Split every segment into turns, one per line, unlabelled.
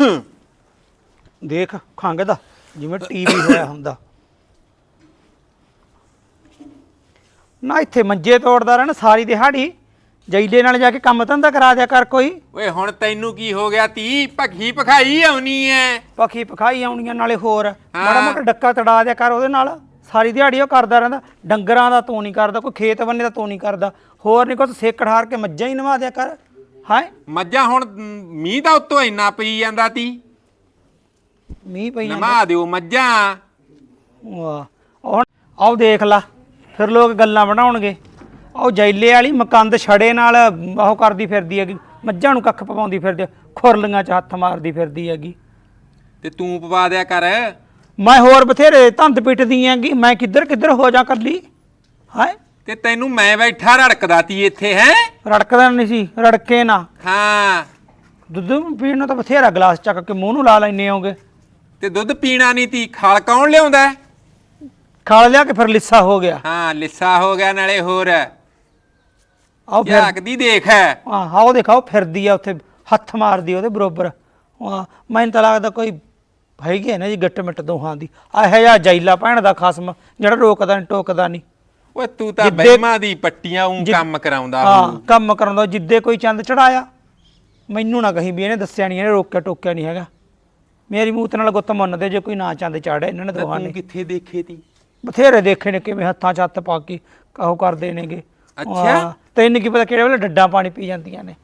ਦੇਖ ਖੰਘਦਾ ਜਿਵੇਂ ਟੀਵੀ ਹੋਇਆ ਹੁੰਦਾ ਨਾ। ਇੱਥੇ ਮੰਜੇ ਤੋੜਦਾ ਰਹਿਣਾ ਸਾਰੀ ਦਿਹਾੜੀ। ਜੈਲੇ ਨਾਲ ਜਾ ਕੇ ਕੰਮ ਧੰਦਾ ਕਰਾ ਦਿਆ ਕਰ ਕੋਈ।
ਓਏ ਹੁਣ ਤੈਨੂੰ ਕੀ ਹੋ ਗਿਆ ਤੀ? ਭੱਖੀ ਪਖਾਈ ਆਉਣੀ ਐ।
ਪੱਖੀ ਪਖਾਈ ਆਉਣੀਆਂ ਨਾਲੇ ਹੋਰ ਮਾੜਾ ਮੋਟਾ ਡੱਕਾ ਤੜਾ ਦਿਆ ਕਰ ਉਹਦੇ ਨਾਲ। ਸਾਰੀ ਦਿਹਾੜੀ ਉਹ ਕਰਦਾ ਰਹਿੰਦਾ। ਡੰਗਰਾਂ ਦਾ ਤੂੰ ਨਹੀਂ ਕਰਦਾ, ਕੋਈ ਖੇਤ ਬੰਨੇ ਦਾ ਤੂੰ ਨਹੀਂ ਕਰਦਾ, ਹੋਰ ਨਹੀਂ ਕੁਛ ਸੇਕ ਹਾਰ ਕੇ ਮੱਝਾਂ ਹੀ ਨਵਾ ਦਿਆ ਕਰ। ਹਾਏ
ਮੱਝਾਂ ਹੁਣ ਮੀਂਹ ਦਾ ਉੱਤੋਂ ਇੰਨਾ ਪਈ ਜਾਂਦਾ ਤੀ।
ਮੀਂਹ ਪਈ
ਨਵਾ ਦਿਓ ਮੱਝਾਂ।
ਵਾਹ ਹੁਣ ਆਓ ਦੇਖ ਲਾ, ਫਿਰ ਲੋਕ ਗੱਲਾਂ ਬਣਾਉਣਗੇ। ਉਹ ਜੈਲੇ ਵਾਲੀ ਮਕੰਦ ਛੜੇ ਨਾਲ ਉਹ ਕਰਦੀ ਫਿਰਦੀ ਹੈਗੀ, ਮੱਝਾਂ ਨੂੰ ਕੱਖ ਪਵਾਉਂਦੀ ਫਿਰਦੀ, ਖੁਰਲੀਆਂ 'ਚ ਹੱਥ ਮਾਰਦੀ ਫਿਰਦੀ ਹੈਗੀ।
ਤੇ ਤੂੰ ਪਵਾ ਦਿਆ ਕਰ।
ਮੈਂ ਹੋਰ ਬਥੇਰੇ ਧੰਦ ਪਿੱਟਦੀ ਹੈਗੀ, ਮੈਂ ਕਿੱਧਰ ਕਿੱਧਰ ਹੋ ਜਾ ਕੱਲੀ। ਹਾਏ
ਤੇ ਤੈਨੂੰ ਮੈਂ ਬੈਠਾ ਰੜਕਦਾ ਤੀ ਇੱਥੇ ਹੈ।
ਰੜਕਦਾ ਨਹੀਂ ਸੀ, ਰੜਕੇ ਨਾ।
ਹਾਂ
ਦੁੱਧ ਪੀਣ ਨੂੰ ਤਾਂ ਬਥੇਰਾ ਗਲਾਸ ਚੱਕ ਕੇ ਮੂੰਹ ਨੂੰ ਲਾ ਲੈਂਦੇ ਹੋਗੇ।
ਤੇ ਦੁੱਧ ਪੀਣਾ ਨਹੀਂ ਤੀ, ਖਾਲ ਕੌਣ ਲਿਆਉਂਦਾ?
ਖਾਲ ਲਿਆ ਕੇ ਫਿਰ ਲਿੱਸਾ ਹੋ ਗਿਆ।
ਹਾਂ ਲਿੱਸਾ ਹੋ ਗਿਆ ਨਾਲੇ ਹੋਰ
ਆਓ ਫਿਰ
ਝਾਕਦੀ ਦੇਖ ਹੈ।
ਆਹ ਦੇਖਾਓ ਫਿਰਦੀ ਆ ਉੱਥੇ, ਹੱਥ ਮਾਰਦੀ ਉਹਦੇ ਬਰੋਬਰ। ਮੈਨੂੰ ਤਾਂ ਲੱਗਦਾ ਕੋਈ ਹੈਗੀ ਹੈ ਨਾ ਜੀ ਗਿੱਟ ਮਿੱਟ ਦੋਹਾਂ ਦੀ। ਇਹੋ ਜਿਹਾ ਜੈਲਾ ਭੈਣ ਦਾ ਖਸਮ ਜਿਹੜਾ ਰੋਕਦਾ ਨਹੀਂ ਟੋਕਦਾ ਨਹੀਂ।
ਓਏ ਤੂੰ ਤਾਂ ਬਹਿਮਾਂ ਦੀ ਪੱਟੀਆਂ ਉਂ ਕੰਮ ਕਰਾਉਂਦਾ।
ਹਾਂ ਕੰਮ ਕਰਾਉਂਦਾ। ਜਿੱਦੇ ਕੋਈ ਚੰਦ ਚੜਾਇਆ ਮੈਨੂੰ ਨਾ ਕਹੀਂ ਵੀ ਇਹਨੇ ਦੱਸਿਆ ਨਹੀਂ, ਇਹਨੇ ਰੋਕਿਆ ਟੋਕਿਆ ਨਹੀਂ ਹੈਗਾ। ਮੇਰੀ ਮੂਤ ਨਾਲ ਗੁੱਤ ਮੰਨਦੇ ਜੇ ਕੋਈ ਨਾ ਚੰਦ ਚਾੜਿਆ ਇਹਨਾਂ ਨੇ ਦੋਹਾਂ ਨੇ।
ਕਿੱਥੇ ਦੇਖੇ ਤੀ?
ਬਥੇਰੇ ਦੇਖੇ ਨੇ ਕਿਵੇਂ ਹੱਥਾਂ 'ਚ ਹੱਥ ਪਾ ਕੇ ਉਹ ਕਰਦੇ ਨੇਗੇ।
ਅੱਛਾ
ਤੈਨੂੰ ਕੀ ਪਤਾ ਕਿਹੜੇ ਵੇਲੇ ਡੱਡਾਂ ਪਾਣੀ ਪੀ ਜਾਂਦੀਆਂ ਨੇ।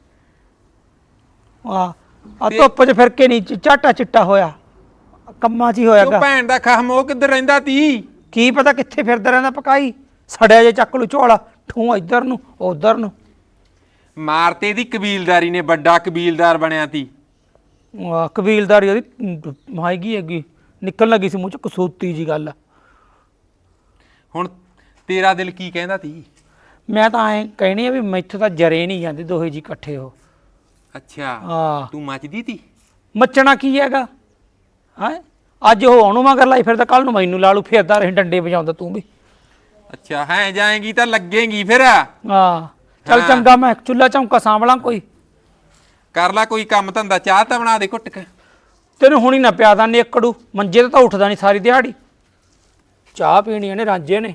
ਆ ਧੁੱਪ 'ਚ ਫਿਰ ਕੇ ਨਹੀਂ ਝਾਟਾ ਚਿੱਟਾ ਹੋਇਆ, ਕੰਮਾਂ 'ਚ ਹੀ ਹੋਇਆਗਾ।
ਭੈਣ ਦਾ ਖਸਮ ਉਹ ਕਿੱਧਰ ਰਹਿੰਦਾ ਤੀ?
ਕੀ ਪਤਾ ਕਿੱਥੇ ਫਿਰਦਾ ਰਹਿੰਦਾ ਪਕਾਈ। ਸੜਿਆ ਜੇ ਚੱਕ ਲੂ ਝੋਲਾ, ਠੂੰ ਇੱਧਰ ਨੂੰ ਉੱਧਰ ਨੂੰ।
ਮਾਰਤੇ ਦੀ ਕਬੀਲਦਾਰੀ ਨੇ, ਵੱਡਾ ਕਬੀਲਦਾਰ ਬਣਿਆ ਤੀ।
ਕਬੀਲਦਾਰੀ ਉਹਦੀ ਮਾਇਗੀ ਹੈਗੀ, ਨਿਕਲਣ ਲੱਗੀ ਸੀ ਮੂੰਹ 'ਚ ਕਸੂਤੀ ਜੀ ਗੱਲ।
ਹੁਣ ਤੇਰਾ ਦਿਲ ਕੀ ਕਹਿੰਦਾ ਤੀ?
ਮੈਂ ਤਾਂ ਐਂ ਕਹਿਣੀ ਆ ਵੀ ਮੈਥੋਂ ਤਾਂ ਜਰੇ ਨਹੀਂ ਜਾਂਦੇ ਦੋਹੇ ਜੀ ਇਕੱਠੇ ਹੋ।
ਅੱਛਾ
ਹਾਂ
ਤੂੰ ਮੱਚਦੀ ਤੀ?
ਮੱਚਣਾ ਕੀ ਹੈਗਾ ਹੈ? ਅੱਜ ਉਹ ਉਹਨੂੰ ਮਗਰ ਲਾਈ ਫਿਰਦਾ, ਕੱਲ ਨੂੰ ਮੈਨੂੰ ਲਾ ਲੂ, ਫਿਰਦਾ ਰਹੇ ਡੰਡੇ ਵਜਾਉਂਦਾ ਤੂੰ ਵੀ।
ਅੱਛਾ ਹੈ ਜਾਏਗੀ ਤਾਂ ਲੱਗੇਗੀ ਫਿਰ।
ਹਾਂ ਚੱਲ ਚੰਗਾ, ਮੈਂ ਚੁੱਲ੍ਹਾ ਚੌਂਕਾ ਸਾਂਭਲਾਂ, ਕੋਈ
ਕਰ ਲੈ ਕੋਈ ਕੰਮ ਧੰਦਾ। ਚਾਹ ਤਾਂ ਬਣਾ ਦੇ ਘੁੱਟ ਕੇ।
ਤੈਨੂੰ ਹੁਣੀ ਨਾ ਪਿਆਦਾ ਨੇਕੜੂ, ਮੰਜੇ ਤੇ ਤਾਂ ਉੱਠਦਾ ਨਹੀਂ ਸਾਰੀ ਦਿਹਾੜੀ। ਚਾਹ ਪੀਣੀ ਇਹਨੇ ਰਾਂਝੇ ਨੇ,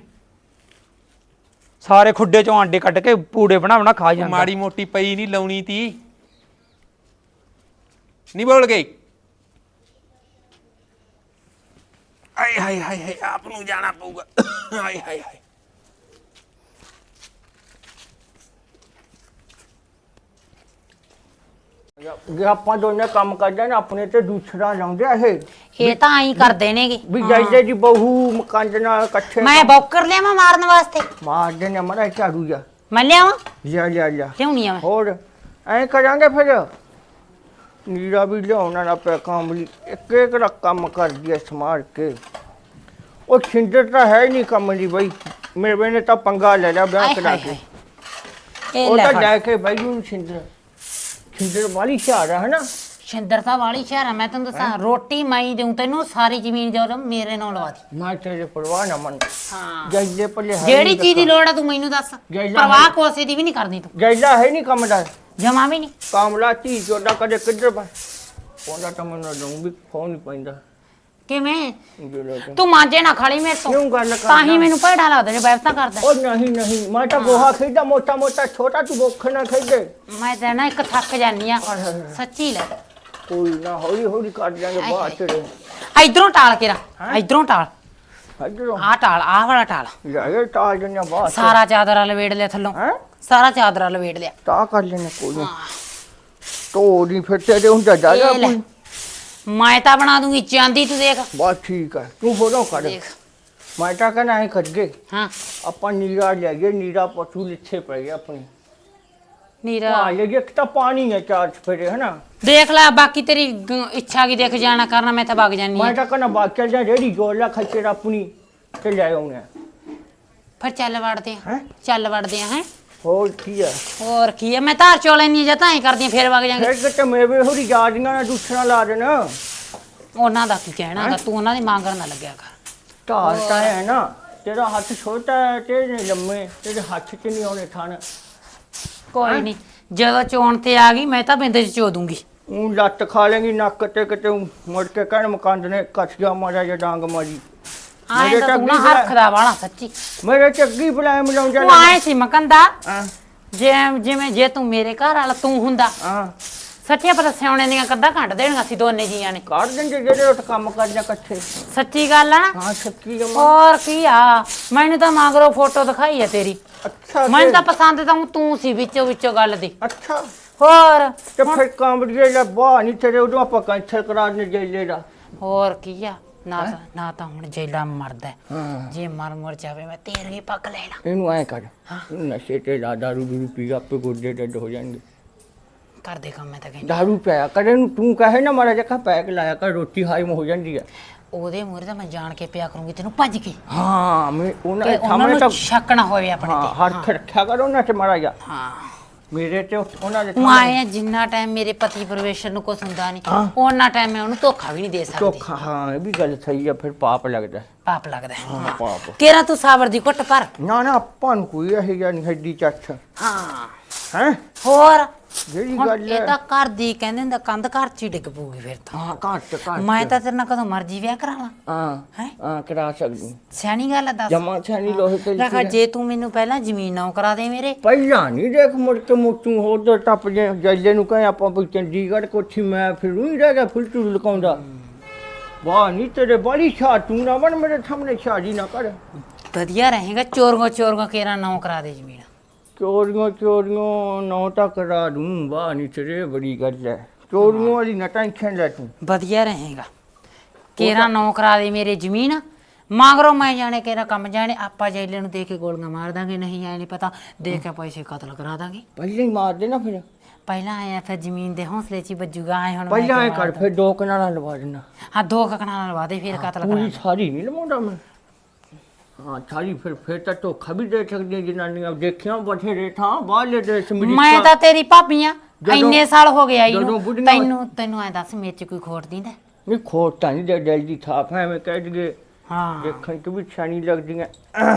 ਸਾਰੇ ਖੁੱਡੇ ਚੋਂ ਆਂਡੇ ਕੱਢ ਕੇ ਪੂੜੇ ਬਣਾ ਬਣਾ ਖਾ ਜਾਂਦਾ।
ਮਾੜੀ ਮੋਟੀ ਪਈ ਨਹੀਂ ਲਾਉਣੀ ਤੀ, ਨਹੀਂ ਬੋਲ ਗਈ। ਆਏ ਹਾਏ ਹਾਏ ਹਾਏ, ਆਪ ਨੂੰ ਜਾਣਾ ਪਊਗਾ। ਆਏ ਹਾਏ ਹਾਏ
ਜੇ ਆਪਾਂ ਦੋਨੇ ਕੰਮ ਕਰਦੇ ਨਾ ਆਪਣੇ ਤੇ ਦੂਸਰਾ ਲਾਉਂਦੇ ਇਹ
ਤਾਂ ਆਈ ਕਰਦੇ ਨੇਗੇ
ਵੀ ਜਾਈਦੇ ਦੀ ਬਹੂ ਮਕੰਦ ਨਾਲ ਇਕੱਠੇ
ਮੈਂ ਬੌਕਰ ਲਿਆਵਾਂ ਮਾਰਨ ਵਾਸਤੇ।
ਮਾਰਦੇ ਨੇ ਮਰਾ ਝਾੜੂ ਜਾ
ਮੈਂ ਲਿਆਵਾਂ,
ਲਿਆ
ਲਿਆਉਣੀ ਆ ਮੈਂ।
ਹੋਰ ਐਂ ਕਰਾਂਗੇ ਫਿਰ। ਨੀਰਾ ਵੀ ਲਿਆਉਣਾ ਨਾ ਪਿਆ ਕੰਮ ਲਈ, ਇੱਕ ਇੱਕ ਦਾ ਕੰਮ ਕਰਦੀ ਐ ਸਮਾਰ ਕੇ। ਉਹ ਛਿੰਦਰ ਤਾਂ ਹੈ ਨਹੀਂ ਕੰਮ ਲਈ ਬਈ, ਮੇਰੇ ਨੇ ਤਾਂ ਪੰਗਾ ਲੈ ਲਿਆ ਵਿਆਹ ਕਰਾ ਕੇ।
ਇਹ
ਉਹ
ਲੈ
ਤਾਂ
ਫੜ।
ਜਾ ਕੇ ਬਈ ਨੂੰ ਛਿੰਦਰ ਵਾਲੀ ਸ਼ਾਰ ਹੈ ਨਾ।
ਸ਼ਿੰਦਰ ਤਾਂ ਵਾਲੀ ਸ਼ਹਿਰ ਆ, ਮੈਂ ਤੈਨੂੰ ਦੱਸਾਂ ਰੋਟੀ ਮੈਂ ਹੀ ਦੇਉਂ ਤੈਨੂੰ, ਸਾਰੀ ਜ਼ਮੀਨ ਜੋ ਮੇਰੇ ਨਾਲ ਲਵਾ ਦੀ।
ਮੈਂ ਤੇਰੇ ਪਰਵਾਹ ਨਾ ਮੰਨ।
ਹਾਂ
ਜਾਈਦੇ ਪੱਲੇ
ਜਿਹੜੀ ਚੀਜ਼ ਦੀ ਲੋੜ ਆ ਤੂੰ ਮੈਨੂੰ ਦੱਸ,
ਜੈਲਾ
ਪਰਵਾਹ ਕੋਸੇ ਦੀ ਵੀ ਨਹੀਂ ਕਰਦੀ ਤੂੰ।
ਜਾਈਦਾ ਹੈ ਨਹੀਂ ਕੰਮ ਦਾ।
ਜਮਾ ਵੀ ਨਹੀਂ।
ਕਾਮਲਾ ਧੀ ਚੋਦਾ ਕਦੇ ਕਿੱਧਰ ਪਾ ਪਹੁੰਚਦਾ ਤਾਂ ਮੈਨੂੰ ਦਊਂ ਵੀ ਫੋਨ ਨਹੀਂ ਪੈਂਦਾ।
ਕਿਵੇਂ
ਜਿਹੜਾ
ਤੂੰ ਮਾਂਜੇ ਨਾ ਖਾਲੀ ਮੇਰੇ ਤੋਂ,
ਕਿਉਂ ਗੱਲ ਕਰਦਾ?
ਤਾਂ ਹੀ ਮੈਨੂੰ ਭੈੜਾ ਲੱਗਦਾ ਜੇ ਬੈਠਾ ਕਰਦਾ।
ਉਹ ਨਹੀਂ ਮੈਂ ਤਾਂ ਗੋਹਾ ਖੇਡਦਾ ਮੋਟਾ ਮੋਟਾ, ਛੋਟਾ ਤੂੰ ਭੁੱਖ ਨਾ ਖੇਡੇ।
ਮੈਂ ਤਾਂ ਨਾ ਇੱਕ ਥੱਕ ਜਾਨੀ ਆ ਸੱਚੀ ਲੈ।
ਕੋਈ ਨਾ ਹੌਲੀ ਹੌਲੀ ਕਰ ਜਾਾਂਗੇ ਬਾਅਦ ਤੇਰੇ।
ਇਧਰੋਂ ਟਾਲ ਕੇ ਰਾ, ਇਧਰੋਂ ਟਾਲ,
ਇੱਧਰੋਂ
ਆਹ ਟਾਲ, ਆਹ ਵਾਲਾ ਟਾਲ।
ਜਾਏ ਟਾਲ ਜੰਨੇ ਬਾਅਦ
ਸਾਰਾ ਚਾਦਰਾ ਲਵੇੜ ਲਿਆ ਥੱਲੋਂ,
ਹੈ
ਸਾਰਾ ਚਾਦਰਾ ਲਵੇੜ ਲਿਆ।
ਤਾਂ ਕਰ ਲੈਣੇ ਕੋਈ ਨਾ। ਤੋੜੀ ਫਿਰ ਤੇਰੇ ਹੁੰਦਾ ਜਾਗਾ
ਇਹ ਲੈ,
ਕੋਈ।
ਮੈਂ ਤਾਂ ਬਣਾ ਦੂੰਗੀ ਚਾਂਦੀ, ਤੂੰ ਦੇਖ।
ਬਸ ਠੀਕ ਹੈ ਤੂੰ ਫੋਟੋ ਕੱਢ।
ਦੇਖ
ਮੈਂ ਤਾਂ ਕਹਿੰਦਾ ਐਂ ਕੱਢੇ
ਹਾਂ
ਆਪਾਂ ਨੀਰਾ ਲੈ ਗਏ, ਨੀਰਾ ਪਸ਼ੂ ਲਿੱਥੇ ਪੈ ਗਿਆ ਆਪਣੀ।
ਨੀਰਾ
ਹਾਂ ਇਹ ਇੱਕ ਤਾਂ ਪਾਣੀ ਹੈ ਚਾਰ ਚਫੇਰੇ ਹੈ ਨਾ।
ਦੇਖ ਲੈ, ਬਾਕੀ ਤੇਰੀ ਇੱਛਾ ਕੀ, ਦੇਖ ਜਾਣਾ ਕਰਨਾ, ਮੈਂ ਤਾਂ ਵਗ ਜਾਨੀ
ਮੈਂ
ਆ।
ਤਾਂ ਕਹਿੰਦਾ ਬਾਕੀ ਚੱਲ ਜਾ ਰੇੜੀ ਗੋਲਾ ਖੱਚੇ ਆਪਣੀ ਤੇ ਲੈ ਆਉਣੇ।
ਫਿਰ ਚੱਲ ਵੜਦੇ ਆ,
ਹੈਂ?
ਚੱਲ ਵੜਦੇ ਆ। ਹੈ
ਹੋਰ ਕੀ ਹੈ
ਹੋਰ ਕੀ ਆ, ਮੈਂ ਧਾਰ ਚੋ ਲੈਣੀ ਜਾਂ ਤਾਂ ਐ ਕਰਦੀ ਆ, ਫਿਰ ਵਗ ਜਾਾਂਗੇ।
ਫਿਰ ਕਿਤੇ ਮੇਰੇ ਹੋਰੀ ਯਾਦੀਆਂ ਨਾਲ ਦੂਸਰਾ ਲਾ ਦੇਣਾ।
ਉਹਨਾਂ ਦਾ ਕੀ ਕਹਿਣਾ ਗਾ, ਤੂੰ ਉਹਨਾਂ ਦੀ ਮੰਗਣ ਨਾ ਲੱਗਿਆ ਕਰ।
ਢਾਲ ਤਾਂ ਹੈ ਨਾ, ਤੇਰਾ ਹੱਥ ਛੋਟਾ ਹੈ, ਤੇਰੇ ਲੰਮੇ, ਤੇਰੇ ਹੱਥ 'ਚ ਨਹੀਂ ਆਉਣੇ ਥਣ।
ਕੋਈ ਨਹੀਂ, ਜਦੋਂ ਚੋਣ ਤੇ ਆ ਗਈ ਮੈਂ ਤਾਂ ਬਿੰਦ ਚ ਚੋ ਦੂੰਗੀ।
ਉਹ ਲੱਤ ਖਾ ਲੇਗੀ ਨੱਕ ਤੇ ਕਿਤੇ ਊਂ ਮੁੜ ਕੇ ਕਹਿਣ ਮਕੰਦ ਨੇ ਕੱਚ ਜਾ ਮਾਰਿਆ ਜਾਂ ਡਾਂਗ ਮਾਰੀ
ਆਏ ਤਾਂ ਤੂੰ ਨਾ ਹਰਖਦਾ ਵਾਲਾ ਸੱਚੀ।
ਮੇਰੇ ਚੱਗੀ ਬੁਲਾਏ ਮਿਲਾਉਂਦਾ
ਤੂੰ ਆਏ ਸੀ ਮਕੰਦਾ
ਹਾਂ
ਜਿਵੇਂ ਜੇ ਤੂੰ ਮੇਰੇ ਘਰ ਵਾਲਾ ਤੂੰ ਹੁੰਦਾ
ਹਾਂ
ਸੱਚੀਆਂ ਪਤਾ ਸਿਆਉਣੇ ਦੀਆਂ ਕੱਦਾਂ ਘੰਟ ਦੇਣੀਆਂ ਸੀ ਦੋਨੇ ਜੀਆਂ ਨੇ।
ਕੱਢ ਦਿੰਦੇ ਜਿਹੜੇ ਉੱਠ ਕੰਮ ਕਰਦਿਆਂ ਇਕੱਠੇ।
ਸੱਚੀ ਗੱਲ ਆ ਨਾ।
ਹਾਂ ਸੱਚੀ ਜਮਾ।
ਹੋਰ ਕੀ ਆ ਮੈਨੂੰ ਤਾਂ ਮਗਰੋਂ ਫੋਟੋ ਦਿਖਾਈ ਆ ਤੇਰੀ।
ਅੱਛਾ
ਮੈਨੂੰ ਤਾਂ ਪਸੰਦ ਤਾਂ ਤੂੰ ਸੀ ਵਿੱਚੋਂ ਗੱਲ ਦੀ।
ਅੱਛਾ
ਹੋਰ
ਤੇ ਫਿਰ ਕਾਂਬੜੀਏ ਦਾ ਬਾਹ ਨਹੀਂ ਤੇਰੇ ਉਦੋਂ ਆਪਾਂ ਕੈਂਸਲ ਕਰਾ ਦਿੰਦੇ ਜੈਲੇ ਦਾ।
ਹੋਰ ਕੀ ਆ ਨਾ ਤਾਂ ਹੁਣ ਜੈਲਾ ਮਰਦਾ
ਹਾਂ
ਜੇ ਮਰ ਜਾਵੇ ਮੈਂ ਤੇਰੇ ਹੀ ਪੱਕ ਲੈਣਾ।
ਇਹਨੂੰ ਐ ਕਰ ਨਸ਼ੇ ਤੇ ਦਾਰੂ ਦੂਰੂ ਪੀ ਆਪੇ ਗੋਡੇ ਡੱਡ ਹੋ ਜਾਣਗੇ।
ਕਰਦੇ ਕੰਮ ਮੈਂ ਤਾਂ ਕਹਿੰਦੀ
ਦਾਰੂ ਪਿਆ ਕਰੇ ਨੂੰ ਤੂੰ ਕਹੇ ਨਾ ਮਾੜਾ ਜਿਹਾ ਪੈਕ ਲਾਇਆ ਕਰ ਰੋਟੀ ਹਾਈਮ ਹੋ ਜਾਂਦੀ ਹੈ।
ਉਹਦੇ ਮੂਹਰੇ ਤਾਂ ਮੈਂ ਜਾਣ ਕੇ ਪਿਆ ਕਰੂੰਗੀ ਤੈਨੂੰ ਭੱਜ ਕੇ।
ਹਾਂ ਮੈਂ ਉਹਨਾਂ ਦੇ
ਉਹਨਾਂ
ਸਾਹਮਣੇ
ਨੂੰ
ਤਾਂ
ਸ਼ੱਕ ਨਾ ਹੋਵੇ ਆਪਣੇ
ਹਾਂ
ਤੇ।
ਹੱਥ ਰੱਖਿਆ ਕਰ ਉਹਨਾਂ ਤੇ ਮਾੜਾ ਜਿਹਾ
ਹਾਂ
ਮੇਰੇ ਤੇ ਉਹਨਾਂ ਦੇ
ਤੂੰ ਆਏ ਆ ਜਿੰਨਾ ਟਾਈਮ ਮੇਰੇ ਪਤੀ ਪਰਮੇਸ਼ਰ ਨੂੰ ਕੁਛ ਹੁੰਦਾ ਨਹੀਂ ਉਹਨਾਂ ਟਾਈਮ ਮੈਂ ਉਹਨੂੰ ਧੋਖਾ ਵੀ ਨਹੀਂ ਦੇ ਸਕਦੀ।
ਧੋਖਾ ਹਾਂ ਇਹ ਵੀ ਗੱਲ ਸਹੀ ਆ ਫਿਰ ਪਾਪ ਲੱਗਦਾ।
ਪਾਪ ਲੱਗਦਾ
ਹਾਂ ਪਾਪ।
ਕਿਹੜਾ ਤੂੰ ਸਾਬਰ ਦੀ ਘੁੱਟ ਭਰ।
ਨਾ ਆਪਾਂ ਨੂੰ ਕੋਈ ਇਹ ਜਿਹਾ ਨਹੀਂ ਹੱਡੀ ਚੱਛ
ਹਾਂ
ਹੈ
ਹੋਰ
ਜਿਹੜੀ
ਹੁਣ
ਗੱਲ
ਇਹ ਤਾਂ ਘਰ ਦੀ ਕਹਿੰਦੇ ਹੁੰਦਾ ਕੰਧ ਘਰ ਚ ਹੀ ਡਿੱਗ ਪਊਗੀ ਫਿਰ ਤਾਂ।
ਹਾਂ ਘੱਟ
ਮੈਂ ਤਾਂ ਤੇਰੇ ਨਾਲ ਕਦੋਂ ਮਰਜੀ ਵਿਆਹ ਕਰਾ ਲਾਂ।
ਹਾਂ
ਹੈਂ?
ਹਾਂ ਕਰਾ ਸਕਦੀ
ਸਿਆਣੀ ਗੱਲ ਆ ਦੱਸ।
ਜਮਾ ਛਾਣੀ ਲੋਹੇ ਤੇ
ਦੇਖਾ ਜੇ ਤੂੰ ਮੈਨੂੰ ਪਹਿਲਾਂ ਜ਼ਮੀਨ ਨਾ ਕਰਾ ਦੇ ਮੇਰੇ।
ਪਹਿਲਾਂ ਨਹੀਂ ਦੇਖ ਮੁੜ ਕੇ ਮੋਟੂ ਹੋਰ ਟੱਪ ਜੇ ਜੈਲੇ ਨੂੰ ਕਹੇ ਆਪਾਂ ਵੀ ਚੰਡੀਗੜ੍ਹ ਕੋਠੀ ਮੈਂ ਫਿਰ ਹੀ ਰਹਿ ਗਿਆ ਫੁੱਲ ਟੂ ਲਕਾਉਂਦਾ। ਵਾਹ ਨਹੀਂ ਤੇਰੇ ਬੜੀ ਛਾ ਤੂੰ ਨਾ ਬਣ ਮੇਰੇ ਸਾਹਮਣੇ ਛਾਜੀ ਨਾ ਕਰ।
ਵਧੀਆ ਰਹੇਗਾ ਚੋਰੀਆਂ ਕੇਰਾ ਨਾ ਕਰਾ ਦੇ ਜ਼ਮੀਨ।
ਚੋਰੀਆਂ ਨੌ ਤਾਂ ਕਰਾ ਦੂੰ। ਵਾਹ ਨਹੀਂ ਤੇਰੇ ਬੜੀ ਗੱਲ ਹੈ ਚੋਰੀਆਂ ਵਾਲੀ ਨਾ ਟੈਨਸ਼ਨ ਲੈ ਤੂੰ।
ਵਧੀਆ ਰਹੇਗਾ ਕੇਰਾ ਨਾ ਕਰਾ ਦੇ ਮੇਰੇ ਜ਼ਮੀਨ ਮਗਰੋਂ ਮੈਂ ਜਾਣੇ ਕੇਰਾ ਕੰਮ ਜਾਣੇ ਆਪਾਂ ਜੈਲੇ ਨੂੰ ਦੇ ਕੇ ਗੋਲੀਆਂ ਮਾਰ ਦਾਂਗੇ। ਨਹੀਂ ਆਏ ਨਹੀਂ ਪਤਾ ਦੇ ਕੇ ਪੈਸੇ ਕਤਲ ਕਰਾ ਦਾਂਗੇ।
ਪਹਿਲਾਂ ਹੀ ਮਾਰ ਦੇ ਨਾ ਫਿਰ।
ਪਹਿਲਾਂ ਆਇਆ ਫਿਰ ਜ਼ਮੀਨ ਦੇ ਹੌਸਲੇ 'ਚ ਹੀ ਵੱਜੂਗਾ। ਆਏ ਹੁਣ
ਪਹਿਲਾਂ ਐ ਕਰ ਫਿਰ 2 ਕਨਾਲਾਂ ਲਵਾ ਦੇਣਾ।
ਹਾਂ 2 ਕਨਾਲਾਂ ਲਵਾ ਦੇ ਫਿਰ ਕਤਲ
ਪੂਰੀ
ਕਰਾ।
ਸਾਰੀ ਨਹੀਂ ਲਵਾਉਂਦਾ ਮੈਂ। ਹਾਂ ਸਾਰੀ ਫਿਰ ਤਾਂ ਧੋਖਾ ਵੀ ਦੇ ਸਕਦੀਆਂ ਜਨਾਨੀਆਂ ਦੇਖਿਆ ਬਥੇਰੇ ਥਾਂ ਬਾਹਰਲੇ ਦੇਸ਼
ਮੈਂ ਤਾਂ ਤੇਰੀ ਭਾਬੀਆਂ ਇੰਨੇ ਸਾਲ ਹੋ ਗਏ ਆਈ
ਜਦੋਂ
ਨੂੰ
ਬੁੱਢੀਆਂ
ਤੈਨੂੰ ਐ ਦੱਸ ਮੇਰੇ 'ਚ ਕੋਈ ਖੋਟ ਦਿੰਦਾ।
ਨਹੀਂ ਖੋਟ ਤਾਂ ਨਹੀਂ ਦੇ ਦਿਲ ਦੀ ਥਾਪ ਹੈ ਮੈਂ ਕਹਿ ਦਈਏ
ਹਾਂ
ਦੇਖਣ ਚ ਵੀ ਛਾਣੀ ਲੱਗਦੀਆਂ।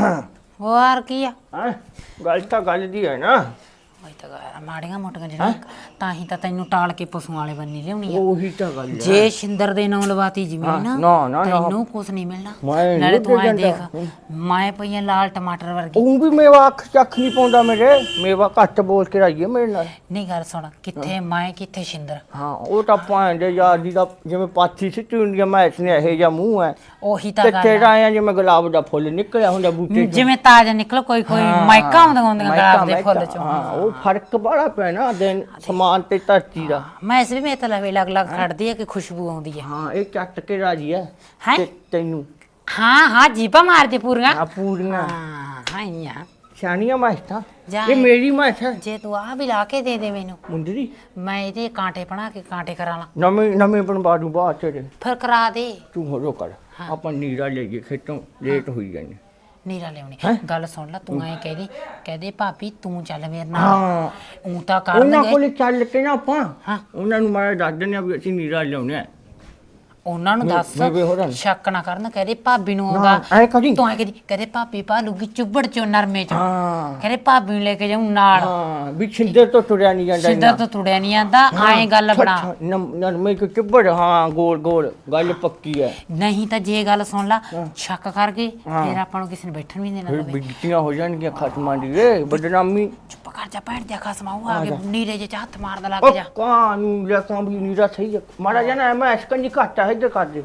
ਹੋਰ ਕੀ ਆ
ਹਾਂ ਗੱਲ ਤਾਂ ਗੱਲ ਦੀ ਹੈ ਨਾ।
ਮੈਂ ਤਾਂ ਮਾੜੀਆਂ ਮੋਟੀਆਂ ਜਿਹੜੀਆਂ ਤਾਂ ਹੀ ਤਾਂ ਤੈਨੂੰ ਟਾਲ ਕੇ ਪਸ਼ੂਆਂ ਵਾਲੇ ਬੰਨੀ ਲਿਆਉਣੀ ਆ।
ਉਹੀ ਤਾਂ ਗੱਲ ਹੈ।
ਜੇ ਸ਼ਿੰਦਰ ਦੇ ਨਾਂ ਲਵਾਤੀ ਜ਼ਮੀਨ
ਨਾ
ਤੈਨੂੰ ਕੁਛ ਨਹੀਂ ਮਿਲਣਾ।
ਮੈਂ
ਨਾਲੇ ਤੂੰ ਐ
ਨਹੀਂ
ਦੇਖ ਮੈਂ ਪਈਆਂ ਲਾਲ ਟਮਾਟਰ ਵਰਗੀ।
ਉਹ ਵੀ ਮੇਵਾ ਅੱਖ ਚੱਖ ਨਹੀਂ ਪਾਉਂਦਾ ਮੇਰੇ। ਮੇਵਾ ਘੱਟ ਬੋਲ ਕੇ ਰਾਈਏ ਮੇਰੇ ਨਾਲ।
ਨਹੀਂ ਗੱਲ ਸੁਣ ਕਿੱਥੇ ਮੈਂ ਕਿੱਥੇ ਸ਼ਿੰਦਰ।
ਹਾਂ ਉਹ ਤਾਂ ਭਾਂਡੇ ਯਾਰ ਦੀ ਦਾ ਜਿਵੇਂ ਪਾਥੀ ਸਿੱਟੀ ਹੁੰਦੀ ਆ ਮੈਚ ਨੇ ਇਹ ਜਾਂ ਮੂੰਹ ਹੈ
ਉਹੀ ਤਾਂ
ਤੇ
ਗੱਲ
ਤੇਰਾ ਆਇਆ ਜਿਵੇਂ ਗੁਲਾਬ ਦਾ ਫੁੱਲ ਨਿਕਲਿਆ ਹੁੰਦਾ ਬੂਟੇ ਚੋਂ।
ਜਿਵੇਂ ਤਾਜ਼ਾ ਨਿਕਲ ਕੋਈ ਮਾਇਕਾ ਹੁੰਦੀਆਂ ਗੁਲਾਬ ਦੇ ਫੁੱਲ ਚੋਂ।
ਹਾਂ ਉਹ ਫਰਕ ਬੜਾ ਪਿਆ ਨਾ ਦਿਨ ਸਮਾਨ ਤੇ ਧਰਤੀ ਦਾ।
ਮੈਂ ਇਸ ਵੀ ਮੇਰੇ ਤਾਂ ਲਵੇ ਲੱਗ ਖੜਦੀ ਹੈ ਕਿ ਖੁਸ਼ਬੂ ਆਉਂਦੀ ਹੈ।
ਹਾਂ ਇਹ ਚੱਟ ਕੇ ਰਾਜੀ ਹੈ
ਹੈਂ?
ਤੇ ਤੈਨੂੰ
ਹਾਂ ਜੀਪਾ ਮਾਰਦੇ ਪੂਰੀਆਂ।
ਆ ਪੂਰੀਆਂ
ਹਾਂ
ਸਿਆਣੀਆਂ ਮਾਸਤਾ
ਜਾ
ਇਹ ਮੇਰੀ ਮਾਸ ਹੈ
ਜੇ ਤੂੰ ਆ ਵੀ ਲਾ ਕੇ ਦੇ ਦੇ ਮੈਨੂੰ
ਮੁੰਦਰੀ।
ਮੈਂ ਇਹਦੇ ਕਾਂਟੇ ਬਣਾ ਕੇ ਕਾਂਟੇ ਕਰਾ ਲਾਂ।
ਨਵੇਂ ਬਣਵਾ ਦੂੰ ਬਾਅਦ ਤੇਰੇ।
ਫਿਰ ਕਰਾ ਦੇ।
ਤੂੰ ਹੋ ਕਰ ਆਪਾਂ ਨੀਰਾ ਲੈ ਜੇ ਖੇਤੋਂ ਲੇਟ ਹੋਈ ਜਾਂਦੇ।
ਨੀਰਾ ਲਿਆਉਣੀ ਗੱਲ ਸੁਣ ਲੈ ਤੂੰ ਐ ਕਹਦੇ ਭਾਬੀ ਤੂੰ ਚੱਲ ਮੇਰੇ ਨਾਲ।
ਹਾਂ
ਉਹ ਤਾਂ
ਉਹਨਾਂ
ਕਰਨਗੇ
ਕੋਲ ਚੱਲ ਕੇ ਨਾ ਆਪਾਂ
ਹਾਂ
ਉਹਨਾਂ ਨੂੰ ਮਾੜਾ ਦੱਸ ਦਿੰਦੇ ਆ ਵੀ ਅਸੀਂ ਨੀਰਾ ਲਿਆਉਣੇ ਆ।
ਉਹਨਾਂ ਨੂੰ ਦੱਸ
ਮੈਂ ਹੋਰਾਂ
ਸ਼ੱਕ ਨਾ ਕਰਨ ਕਹਦੇ ਭਾਬੀ ਨੂੰ ਆਉਂਦਾ
ਐ ਕਰੀ
ਤੂੰ ਐ ਕਹਦੇ ਭਾਬੀ ਭਾਲੂਗੀ ਚੁੱਬੜ ਚੋਂ ਨਰਮੇ ਚੋਂ।
ਹਾਂ
ਕਹਦੇ ਭਾਬੀ ਨੂੰ ਲੈ ਕੇ ਜਾਉਂ ਨਾਲ।
ਹਾਂ ਵੀ ਛਿੰਦਰ ਤੋਂ ਤੁਰਿਆ ਨਹੀਂ ਜਾਂਦਾ।
ਸਿੱਧਾ ਤੋਂ ਤੁੜਿਆ ਨਹੀਂ ਆਂਦਾ ਐਂ ਗੱਲ ਬਣਾ।
ਨਰਮੇ ਕੋ ਚਿੱਬੜ ਹਾਂ ਗੋਲ ਗੱਲ ਪੱਕੀ ਹੈ।
ਨਹੀਂ ਤਾਂ ਜੇ ਗੱਲ ਸੁਣ ਲਾ ਸ਼ੱਕ ਕਰ ਗਏ ਫਿਰ ਆਪਾਂ ਨੂੰ ਕਿਸੇ ਨੇ ਬੈਠਣ ਵੀ ਨਹੀਂ ਦੇਣਾ
ਫਿਰ
ਲਵੇ।
ਬਿਜਤੀਆਂ ਹੋ ਜਾਣਗੀਆਂ ਖਸਮਾਂ ਦੀ ਏ ਬਦਨਾਮੀ।
ਚੁੱਪ ਕਰ ਜਾ ਭੈਣ ਦੇ ਖਸਮਾਊ ਆ ਕੇ ਨੀਰੇ ਜੇ ਚਾਹਤ ਮਾਰਦਾ ਲੱਗ
ਉਹ
ਜਾ।
ਕਾਨੂੰ ਲੈ ਕਾਂਬਲੀ ਨੀਰਾ ਸਹੀ ਹੈ ਮਾੜਾ ਜਾਣਾ ਮੈਂ ਅਸ਼ਕੰਜੀ ਘੱਟ ਹੈ ਇੱਧਰ ਕਰ ਦੇ।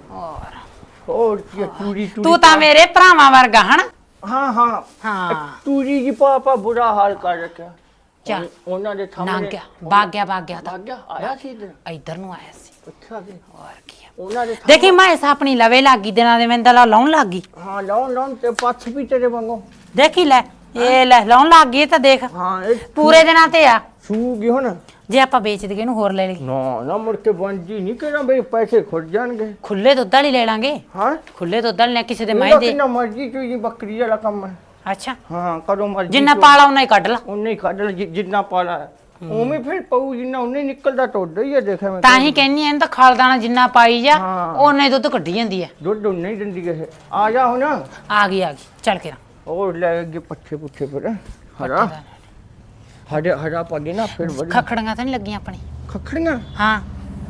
ਹੋਰ ਕੀ ਤੂੜੀ
ਤੂੰ ਤਾਂ ਮੇਰੇ ਭਰਾਵਾਂ ਵਰਗਾ ਹਨ।
ਹਾਂ
ਹਾਂ
ਤੂੜੀ ਜੀ ਪਾਪਾ ਬੁਰਾ ਹਾਲ ਕਰ ਰੱਖਿਆ।
ਚੱਲ
ਉਹਨਾਂ ਦੇ
ਲੰਘ
ਸਾਹਮਣੇ
ਗਿਆ ਭਾਗ ਗਿਆ ਤਾਂ
ਭਾਗ ਗਿਆ ਆਇਆ ਸੀ
ਇੱਧਰ ਨੂੰ ਆਇਆ ਸੀ।
ਅੱਛਾ ਜੀ
ਹੋਰ ਕੀ ਆ।
ਉਹਨਾਂ ਦੇ
ਦੇਖੀ ਮੈਂ ਆਪਣੀ ਲਵੇ ਲੱਗੀ ਦਿਨਾਂ ਦੇ ਮੈਨੂੰ ਤਾਂ ਲਾਉਣ ਲੱਗ ਗਈ।
ਹਾਂ ਲਾਉਣ ਤੇ ਪੱਛ ਵੀ ਤੇਰੇ ਵਾਂਗੂ।
ਦੇਖੀ ਲੈ ਇਹ ਲੈ ਲਾਉਣ ਲੱਗ ਗਈ ਤਾਂ ਦੇਖ
ਹਾਂ ਇਹ
ਪੂਰੇ ਦਿਨਾਂ ਤੇ ਆ।
ਸੂਗੀ ਹੁਣ
ਜੇ ਆਪਾਂ ਵੇਚ ਦਈਏ ਇਹਨੂੰ ਹੋਰ ਲੈ ਲਈ
ਨਾ ਮੁੜ ਕੇ ਬੰਜੀ ਨਹੀਂ ਕਿਹੜਾ ਬਈ ਪੈਸੇ ਖੁੱਟ ਜਾਣਗੇ।
ਖੁੱਲੇ ਦੁੱਧ ਵਾਲੀ ਲੈ ਲਾਂਗੇ।
ਹਾਂ
ਖੁੱਲੇ ਦੁੱਧ ਵਾਲੀ ਲੈ ਕਿਸੇ ਦੇ ਮੈਂ ਦੇ।
ਕਿੰਨਾ ਮਰਜੀ ਚੀਜ਼ ਬੱਕਰੀ ਵਾਲਾ ਕੰਮ ਹੈ।
ਅੱਛਾ
ਹਾਂ ਕਦੋਂ ਮਰਜੀ
ਜਿੰਨਾ ਪਾਲਾ ਉਹਨਾਂ ਹੀ ਕੱਢ ਲਾ।
ਉਹਨੇ ਹੀ ਕੱਢ ਲੈ ਜਿੰਨਾ ਪਾਲਾ ਉਵੇਂ ਫਿਰ ਪਊ ਜਿੰਨਾ ਉਹਨੇ ਨਿਕਲਦਾ ਟੋਡਾ ਹੀ ਹੈ ਦੇਖਿਆ ਮੈਂ।
ਤਾਂ ਹੀ ਕਹਿੰਨੀ ਇਹਨੂੰ ਤਾਂ ਖਾਲਦਾਣਾ ਜਿੰਨਾ ਪਾਈ ਜਾ
ਹਾਂ।
ਉਹਨੇ ਦੁੱਧ ਕੱਢੀ ਜਾਂਦੀ ਹੈ।
ਦੁੱਧ ਉਹਨੇ ਹੀ ਦਿੰਦੀ ਹੈ। ਆ ਜਾ ਹੁਣ
ਆ ਗਈ ਚੱਲ ਕੇ
ਹੋਰ ਲੈ ਅੱਗੇ ਪੱਠੇ ਪੁੱਠੇ ਫਿਰ ਹਰਾ ਪਾ ਦੇ ਨਾ ਫਿਰ ਵਧੀਆ।
ਖਖੜੀਆਂ ਤਾਂ ਨਹੀਂ ਲੱਗੀਆਂ ਆਪਣੀ।
ਖਖੜੀਆਂ
ਹਾਂ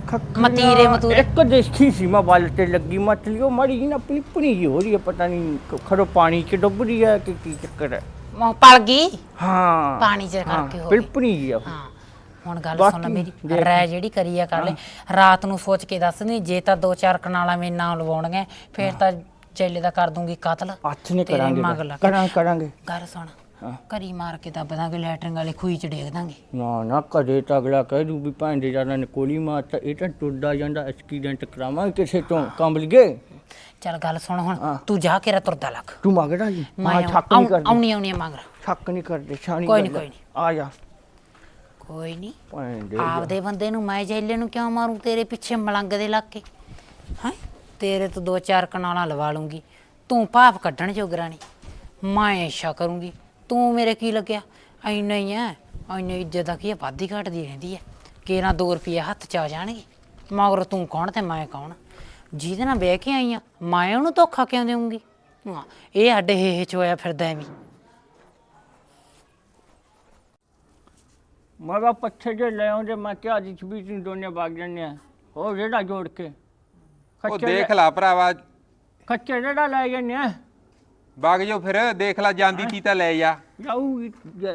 ਮਤੀਰੇ ਮਤੂਰੇ
ਇੱਕ ਦੇਖੀ ਸੀ ਮੈਂ ਵੱਲ ਤੇ ਲੱਗੀ ਮਤਲੀ ਉਹ ਮਾੜੀ ਜਿਹੀ ਨਾ ਪਣੀ ਜਿਹੀ ਹੋ ਰਹੀ ਹੈ, ਪਤਾ ਨਹੀਂ ਖੜੋ ਪਾਣੀ 'ਚ ਡੁੱਬ ਰਹੀ ਹੈ ਕਿ ਕੀ ਚੱਕਰ ਹੈ।
ਉਹ ਪਲ ਗਈ
ਹਾਂ
ਪਾਣੀ 'ਚ ਕਰਕੇ ਹੋ
ਪਿਲਪਣੀ ਜਿਹੀ ਆ ਉਹ।
ਹਾਂ ਹੁਣ ਗੱਲ
ਬਾਕੀ
ਸੁਣ ਲੈ ਮੇਰੀ
ਦੇਖ
ਰਾਇ ਜਿਹੜੀ ਕਰੀ ਆ ਕਰ ਲੈ ਰਾਤ ਨੂੰ ਸੋਚ ਕੇ ਦੱਸ ਨਹੀਂ ਜੇ ਤਾਂ 2-4 ਕਨਾਲਾਂ ਮੇਰੇ ਨਾਲ ਲਵਾਉਣਗੇ ਫੇਰ ਤਾਂ ਚੇਲੇ ਦਾ ਕਰ ਦੂੰਗੀ ਕਤਲ
ਹੱਥ ਨੇ
ਤੇਰੇ
ਕਰਾਂਗੇ
ਮਗਰ ਲੱਗ ਕੇ।
ਕਰਾਂਗੇ
ਗੱਲ ਸੁਣ ਕਰੀ ਮਾਰ ਕੇ ਦੱਬ ਦਾਂਗੇ ਲੈਟਰਿੰਗ ਵਾਲੇ ਖੂਹੀ 'ਚ ਡੇਗ ਦਾਂਗੇ।
ਨਾ ਕਦੇ ਤਾਂ ਅਗਲਾ ਕਹਿ ਦੂ ਵੀ ਭੈਣ ਦੇ ਜਾਨਾਂ ਨੇ ਕੋਲੀ ਮਾਰਤਾ, ਇਹ ਤਾਂ ਟੁੱਟਦਾ ਜਾਂਦਾ ਐਕਸੀਡੈਂਟ ਕਰਾਵਾਂਗੇ ਕਿਸੇ ਤੋਂ ਕੰਬਲ ਗਏ।
ਚੱਲ ਗੱਲ ਸੁਣ ਹੁਣ ਤੂੰ ਜਾ ਕੇ ਰ ਤੁਰਦਾ ਲੱਗ
ਤੂੰ ਮੰਗਦਾ ਜੀ
ਮੈਂ
ਛੱਕ ਨਹੀਂ ਕਰਦੇ
ਆਉਣੀ ਮਗਰ
ਛੱਕ ਨਹੀਂ ਕਰਦੇ ਛਾਣੀ
ਕੋਈ ਨਹੀਂ
ਆ ਜਾ
ਕੋਈ ਨਹੀਂ
ਭੈਣ ਦੇ
ਆਪਦੇ ਬੰਦੇ ਨੂੰ ਮੈਂ ਜੈਲੇ ਨੂੰ ਕਿਉਂ ਮਾਰੂੰ ਤੇਰੇ ਪਿੱਛੇ ਮਲੰਗ ਦੇ ਲੱਗ ਕੇ ਹੈ ਤੇਰੇ ਤੋਂ 2-4 ਕਨਾਲਾਂ ਲਵਾ ਲੂੰਗੀ ਤੂੰ ਭਾਪ ਕੱਢਣ ਜੋਗਰਾ ਨਹੀਂ ਮੈਂ ਐਸ਼ਾ ਕਰੂੰਗੀ ਤੂੰ ਮੇਰੇ ਕੀ ਲੱਗਿਆ ਐਨਾ ਹੀ ਐ ਐਨਾ ਇੱਜ਼ਤ ਦਾ ਕੀ ਆ ਵਾਧੀ ਘਟਦੀ ਰਹਿੰਦੀ ਐ ਕੇਰਾਂ 2 ਰੁਪਏ ਹੱਥ ਚ ਆ ਜਾਣਗੇ ਮਗਰ ਤੂੰ ਕੌਣ ਤੇ ਮੈਂ ਕੌਣ ਜਿਹਦੇ ਨਾਲ ਬਹਿ ਕੇ ਆਈ ਆ ਮੈਂ ਉਹਨੂੰ ਧੋਖਾ ਕਿਉਂ ਦੇਵਾਂਗੀ ਹਾਂ ਇਹ ਅੱਡੇ ਹੇ ਚ ਹੋਇਆ ਫਿਰਦਾ ਐਵੇਂ
ਮਗਾ ਪੱਛੇ ਜੇ ਲੈ ਆਉਂਦੇ ਮੈਂ ਕਿਹਾ ਅੱਜ ਵੀ ਤੁਸੀਂ ਦੋਨੇ ਵਗ ਜਾਂਦੇ ਆ ਉਹ ਜਿਹੜਾ ਜੋੜ ਕੇ
ਉਹ ਦੇਖ ਲਾ ਭਰਾਵਾ
ਖੱਚੇ ਜਿਹੜਾ ਲੈ ਜਾਂਦੇ ਆ
ਵਗ ਜਾਓ ਫਿਰ ਦੇਖ ਲਾ ਜਾਂਦੀ ਤੀ ਤਾਂ ਲੈ ਜਾ
ਜਾਊਗੀ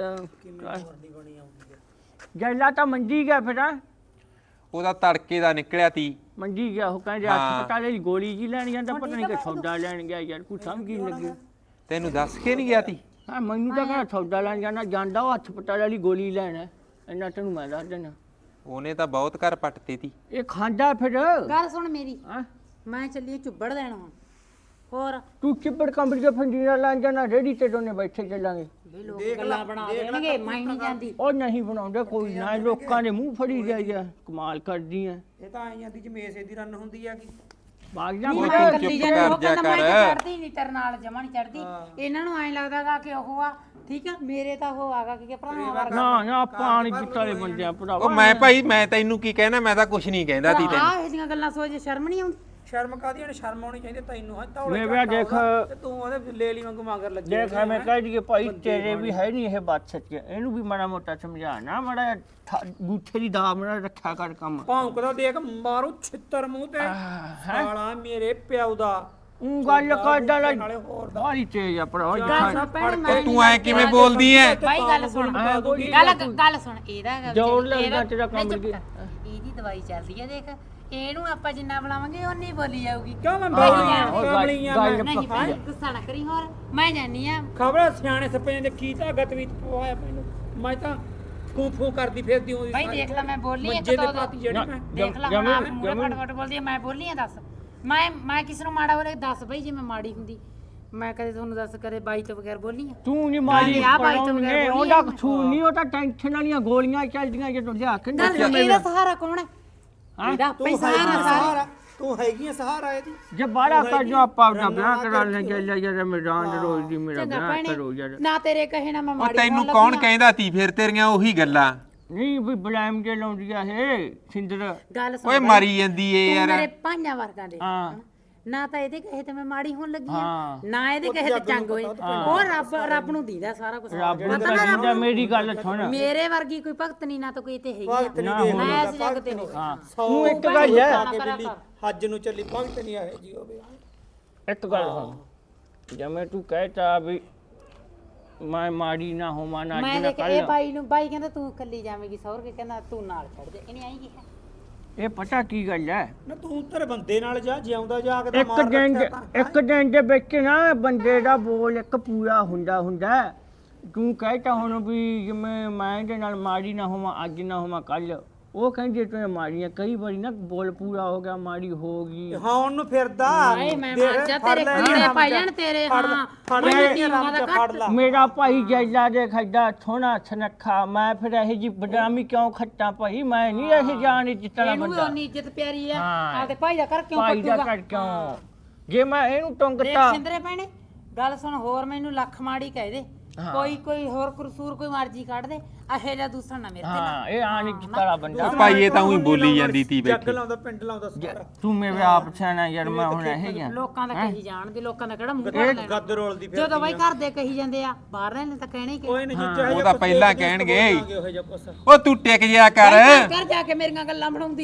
ਜੈਲਾ ਤਾਂ ਮੰਜੀ ਗਿਆ ਫਿਰ
ਉਹਦਾ ਤੜਕੇ ਦਾ ਨਿਕਲਿਆ ਤੀ
ਮੰਜੀ ਗਿਆ ਉਹ ਕਹਿੰਦੇ ਹਸਪਤਾਲੇ ਦੀ ਗੋਲੀ ਜੀ ਲੈਣ ਜਾਂਦਾ ਪਤਾ ਨਹੀਂ ਕਿ ਸੌਦਾ ਲੈਣ ਗਿਆ ਯਾਰ ਕੋਈ ਸਮਝ ਹੀ ਨਹੀਂ ਲੱਗੀ
ਤੈਨੂੰ ਦੱਸ ਕੇ ਨਹੀਂ ਗਿਆ ਤੀ
ਹਾਂ ਮੈਨੂੰ ਤਾਂ ਕਹਿੰਦਾ ਸੌਦਾ ਲੈਣ ਜਾਣਾ ਜਾਂਦਾ ਉਹ ਹਸਪਤਾਲ ਵਾਲੀ ਗੋਲੀ ਲੈਣ ਇੰਨਾ ਤੈਨੂੰ ਮੈਂ ਦੱਸ ਦੇਣਾ
ਉਹਨੇ ਤਾਂ ਬਹੁਤ ਘਰ ਪੱਟਤੇ ਤੀ
ਇਹ ਖਾਂਦਾ ਫਿਰ
ਗੱਲ ਸੁਣ ਮੇਰੀ
ਹਾਂ
ਮੈਂ ਚੱਲੀ ਚੁੱਬੜ ਦੇਣਾ ਹੁਣ ਹੋਰ
ਤੂੰ ਚਿੱਬੜ ਕੰਬੜੀ ਦੇ ਫੰਡੀਆਂ ਲੈਣ ਜਾਣਾ ਰੇੜੀ ਤੇ ਦੋਨੇ ਬੈਠੇ ਚੱਲਾਂਗੇ
ਵੀ ਲੋਕ ਗੱਲਾਂ ਬਣਾ ਦੇਣਗੇ ਮੈਂ ਨਹੀਂ ਜਾਂਦੀ
ਉਹ ਨਹੀਂ ਬਣਾਉਂਦੇ ਕੋਈ ਨਾ ਲੋਕਾਂ ਦੇ ਮੂੰਹ ਫੜੀ ਜਾਈਆ ਕਮਾਲ ਕਰਦੀ ਐ
ਇਹ ਤਾਂ ਆਈ ਜਾਂਦੀ ਜਿਵੇਂ ਏਸੇ ਦੀ ਰਨ ਹੁੰਦੀ ਆ ਕਿ
ਬਾਗ ਜਾ
ਉਹ
ਮੈਂ
ਤੂੰ
ਇਕੱਲੀ
ਚੁੱਪ
ਜਾਂਦੀ, ਉਹ
ਕਰ ਜਾ
ਕਹਿੰਦਾ ਮੈਂ
ਕਰ।
ਤਾਂ ਚੜਦੀ ਨਹੀਂ ਤੇਰੇ ਨਾਲ ਜਮਾ ਨਹੀਂ ਚੜਦੀ ਇਹਨਾਂ ਨੂੰ ਐਂ ਲੱਗਦਾਗਾ ਕਿ ਉਹ ਆ ਠੀਕ ਆ ਮੇਰੇ ਤਾਂ ਉਹ ਆਗਾ ਕਿ ਭਰਾਵਾਂ ਵਰਗਾ
ਨਾ ਪਾਣੀ ਜਿੱਤਾਲੇ ਬੰਦੇ ਆ ਭਰਾਵਾ
ਉਹ ਮੈਂ ਭਾਈ ਮੈਂ ਤੈਨੂੰ ਕੀ ਕਹਿਣਾ ਮੈਂ ਤਾਂ ਕੁਛ ਨਹੀਂ ਕਹਿੰਦਾ ਤੀ ਤੈਨੂੰ
ਆਹ ਇਹ ਜਿਹੀਆਂ ਗੱਲਾਂ ਸੋਚ ਸ਼ਰਮ ਨਹੀਂ ਆਉਂਦੀ
ਸ਼ਰਮ ਕਾਦੀ ਨੇ ਸ਼ਰਮ ਆਉਣੀ ਚਾਹੀਦੀ ਤੈਨੂੰ ਹਾਂ
ਮੈਂ ਵੀ ਦੇਖ
ਤੇ ਤੂੰ ਉਹਦੇ ਲੈ ਲਈ ਵਾਂਗੂ ਮਗਰ ਲੱਗੀ
ਦੇਖ ਮੈਂ ਕਹਿ ਦਈਏ ਭਾਈ ਤੇਰੇ ਵੀ ਹੈ ਨਹੀਂ ਇਹ ਬਾਤ ਸੱਚ ਇਹਨੂੰ ਵੀ ਮਾੜਾ ਮੋਟਾ ਸਮਝਾਣਾ ਮਾੜਾ ਗੂਠੇ ਦੀ ਦਾਮ ਨਾਲ ਰੱਖਿਆ ਕਰ ਕੰਮ
ਭੌਂਕਦਾ ਦੇਖ ਮਾਰੂ ਛਿੱਤਰ ਮੂੰਹ ਤੇ ਸਾਲਾ ਮੇਰੇ ਪਿਓ ਦਾ
ਉਹ ਗੱਲ ਕਰਦਾ ਲੈ ਬਾਹਲੀ ਤੇਜ ਆ ਭਰਾ
ਉਹ ਤੂੰ ਐ ਕਿਵੇਂ ਬੋਲਦੀ ਐ
ਬਾਈ ਗੱਲ ਸੁਣ ਗੱਲ ਸੁਣ ਇਹਦਾ
ਜੋੜ ਲੱਗਦਾ ਤੇਰਾ ਕੰਮ
ਚੁੱਪ ਕਰ। ਇਹਦੀ ਦਵਾਈ ਚੱਲਦੀ ਆ ਦੇਖ ਇਹਨੂੰ ਆਪਾਂ ਜਿੰਨਾ ਬੁਲਾਵਾਂਗੇ ਓਨੀ ਬੋਲੀ ਜਾਊਗੀ
ਕਿਉਂ ਮੈਂ ਬੋਲੀਆਂ
ਨਹੀਂ ਭਾਈ ਗੁੱਸਾ ਨਾ ਕਰੀ ਹੋਰ ਮੈਂ ਜਾਨੀ ਆ
ਖਬਰ ਸਿਆਣੇ ਸੱਪਿਆਂ ਦੇ ਕੀ ਤਾਂ ਗਤਵੀਤ ਪਵਾਇਆ ਮੈਨੂੰ ਮੈਂ ਤਾਂ ਫੂ ਕਰਦੀ ਫਿਰਦੀ ਹੁੰਦੀ
ਭਾਈ ਦੇਖ ਲੈ ਮੈਂ ਬੋਲੀ ਇੱਕ
ਮੰਜੇ
ਦੋ
ਤੇ ਪਾਤੀ ਜਿਹੜੀ ਮੈਂ
ਦੇਖ ਲੈ ਹੁਣ ਆਪ ਮੂਰੇ ਫਟਫਟ ਬੋਲਦੀ ਆ ਮੈਂ ਬੋਲੀ ਆ ਦੱਸ ਮੈਂ ਕਿਸ ਨੂੰ ਮਾੜਾ ਬੋਲੇ ਦੱਸ ਬਈ ਜੇ ਮੈਂ ਮਾੜੀ ਹੁੰਦੀ ਮੈਂ ਕਦੇ ਤੁਹਾਨੂੰ ਦੱਸ ਕਦੇ ਬਾਈ ਤੋਂ ਬਗੈਰ ਬੋਲੀ ਆ
ਤੂੰ ਨਹੀਂ ਮਾਰੀ
ਆ ਬਾਈ ਤੋਂ ਬਗੈਰ ਬੋਲੀ
ਉਹਦਾ ਕਸੂਰ ਨਹੀਂ ਉਹ ਤਾਂ ਟੈਨਸ਼ਨ ਵਾਲੀਆਂ ਗੋਲੀਆਂ ਚੱਲਦੀਆਂ ਜਦੋਂ ਲਿਆ ਕੇ
ਦੱਸ ਇਹਦਾ ਸਹਾਰਾ ਕੌਣ ਹੈ ਇਹਦਾ ਆਪੇ ਸਹਾਰਾ ਸਾਰਾ
ਤੂੰ ਹੈਗੀ ਸਹਾਰਾ ਇਹਦੀ
ਜੇ ਬਾੜਾ ਕਰ ਜੋ ਆਪਾਂ ਆਪਣਾ ਵਿਆਹ ਕਰਾ ਲੈਂਗੇ ਲੈ ਯਾਰ ਮੈਦਾਨ ਦੇ ਰੋਜ਼ ਦੀ ਮੇਰਾ ਵਿਆਹ ਕਰੋ ਯਾਰ
ਨਾ ਤੇਰੇ ਕਹੇ ਨਾ ਮੈਂ
ਉਹ
ਮਾੜੀ
ਤੈਨੂੰ ਕੌਣ ਕਹਿੰਦਾ ਤੀ ਫਿਰ ਤੇਰੀਆਂ ਉਹੀ ਗੱਲਾਂ
ਨਹੀਂ ਵੀ ਬਲੈਮ ਜੇ ਲਾਉਂਦੀ ਆ ਇਹ ਸਿੰਦਰ
ਗੱਲ ਸੁਣ
ਓਏ ਮਾਰੀ ਜਾਂਦੀ ਏ
ਤੂੰ
ਯਾਰ
ਮੇਰੇ ਭਾਈਆਂ ਵਰਗਾ ਦੇ
ਹਾਂ
ਨਾ ਤਾਂ ਇਹਦੇ ਕਹੇ ਤੇ ਮੈਂ ਮਾੜੀ ਹੋਣ ਲੱਗੀ ਆ
ਹਾਂ।
ਨਾ ਇਹਦੇ ਕਹੇ ਤੇ ਚੰਗ ਹੋਈ ਉਹ ਰੱਬ ਨੂੰ ਦੀਦਾ ਸਾਰਾ ਕੁਝ
ਰੱਬ ਨੂੰ ਤਾਂ ਦਿੰਦਾ ਮੇਰੀ ਗੱਲ ਸੁਣ
ਮੇਰੇ ਵਰਗੀ ਕੋਈ ਭਗਤ ਨਹੀਂ ਨਾ ਤਾਂ ਕੋਈ ਤੇ ਹੈਗੀ ਆ ਮੈਂ ਇਸ ਜੱਗ ਤੇ ਨਹੀਂ
ਹਾਂ ਤੂੰ ਇੱਕ ਗੱਲ ਹੈ
ਹੱਜ ਨੂੰ ਚੱਲੀ ਭਗਤ ਨਹੀਂ ਆਏ ਜੀ ਹੋਵੇ
ਇੱਕ ਗੱਲ ਸੁਣ ਜਿਵੇਂ ਤੂੰ ਕਹਿਤਾ ਵੀ ਮੈਂ ਮਾੜੀ ਨਾ ਹੋਵਾਂ ਨਾ
ਮੈਂ
ਜਿਨਾ
ਦੇਖ ਇਹ ਬਾਈ ਨੂੰ ਬਾਈ ਕਹਿੰਦਾ ਤੂੰ ਇਕੱਲੀ ਜਾਵੇਂਗੀ ਸੌਰ ਕੇ ਕਹਿੰਦਾ ਤੂੰ ਨਾਲ ਛੱਡ ਦੇ ਇਹਨੇ ਆਈ ਕੀ ਹੈ
ਇਹ ਪਤਾ ਕੀ ਗੱਲ ਹੈ
ਨਾ ਤੂੰ ਤੇਰੇ ਬੰਦੇ ਨਾਲ ਜਾ ਜਿਉਂਦਾ ਜਾਗਦਾ
ਇੱਕ ਦਿਨ ਦੇ ਵਿੱਚ ਨਾ ਬੰਦੇ ਦਾ ਬੋਲ ਇੱਕ ਪੂਰਾ ਹੁੰਦਾ ਤੂੰ ਕਹਿਤਾ ਹੁਣ ਵੀ ਜਿਵੇਂ ਮੈਂ ਇਹਦੇ ਨਾਲ ਮਾੜੀ ਨਾ ਹੋਵਾਂ ਅੱਜ ਨਾ ਹੋਵਾਂ ਕੱਲ ਉਹ ਕਹਿੰਦੇ ਤੂੰ ਮਾੜੀਆਂ ਕਈ ਵਾਰੀ ਨਾ ਬੋਲ ਪੂਰਾ ਹੋ ਗਿਆ ਮਾੜੀ ਹੋ ਗਈ
ਹਾਂ ਉਹਨੂੰ ਫਿਰਦਾ
ਹਾਏ ਮੈਂ ਮਰ ਜਾ ਤੇਰੇ ਕੀੜੇ ਪਾਈ ਜਾਣ ਤੇਰੇ ਹਾਂ ਮੈਨੂੰ ਤੀਵਾਂ ਦਾ ਕੱਟ
ਮੇਰਾ ਭਾਈ ਜੈਲਾ ਦੇ ਖੱਡਾ ਥੋੜਾ ਸਨੱਖਾ ਮੈਂ ਫਿਰ ਇਹ ਜੀ ਬਦਨਾਮੀ ਕਿਉਂ ਖੱਟਾਂ ਭਾਈ ਮੈਂ ਨਹੀਂ ਇਹ ਜਾਣ ਜਿੱਤਣਾ
ਇਹਨੂੰ ਵੀ
ਬੰਦਾ
ਉਨੀ ਇੱਜ਼ਤ ਪਿਆਰੀ ਆ
ਹਾਂ।
ਆ ਤੇ ਭਾਈ ਦਾ ਕਰ ਕਿਉਂ
ਭਾਈ ਦਾ
ਪੱਟੂਗਾ
ਕਰ ਕਿਉਂ ਜੇ ਮੈਂ ਇਹਨੂੰ
ਦੇਖ
ਟੰਗਤਾ
ਸਿੰਦਰੇ ਭੈਣੇ ਗੱਲ ਸੁਣ ਹੋਰ ਮੈਨੂੰ ਲੱਖ ਮਾੜੀ ਕਹਿ ਦੇ ਕੋਈ ਹੋਰ ਕਸੂਰ ਕੋਈ ਮਰਜ਼ੀ ਕੱਢ ਦੇ ਇਹੋ ਜਿਹਾ ਦੂਸਰਾ ਨਾ ਮੇਰੇ ਤੇ
ਹਾਂ ਇਹ ਆਣ ਜਿੱਤਲਾ ਬੰਦਾ
ਉਹ ਭਾਈ ਇਹ ਤਾਂ ਉਹੀ ਬੋਲੀ ਜਾਂਦੀ ਤੀ
ਜੱਗ
ਬੈਠੀ
ਲਾਉਂਦਾ ਪਿੰਡ ਲਾਉਂਦਾ ਸਾਰਾ
ਤੂੰ ਮੇਰੇ ਆਪ ਸਿਆਣਾ ਯਾਰ ਮੈਂ ਹੁਣ ਇਹ ਗਿਆ
ਲੋਕਾਂ ਦਾ ਕਹੀ ਜਾਣਦੇ ਲੋਕਾਂ ਦਾ ਕਿਹੜਾ ਮੂੰਹ ਕਰ ਲੈਣਾ
ਗੱਦ ਰੋਲਦੀ ਫਿਰ
ਜਦੋਂ ਬਾਈ ਘਰ ਦੇ ਕਹੀ ਜਾਂਦੇ ਆ ਬਾਹਰ ਨੇ ਤਾਂ ਕਹਿਣਾ ਹੀ ਕਿ
ਕੋਈ ਨਹੀਂ ਜਿੱਤੇ
ਉਹ ਤਾਂ ਪਹਿਲਾਂ ਕਹਿਣਗੇ
ਉਹ ਜਿਹਾ ਕੁਛ
ਉਹ ਤੂੰ ਟਿਕ ਜਿਆ ਕਰ
ਕਰ ਜਾ ਕੇ ਮੇਰੀਆਂ ਗੱਲਾਂ ਬਣਾਉਂਦੀ ਆ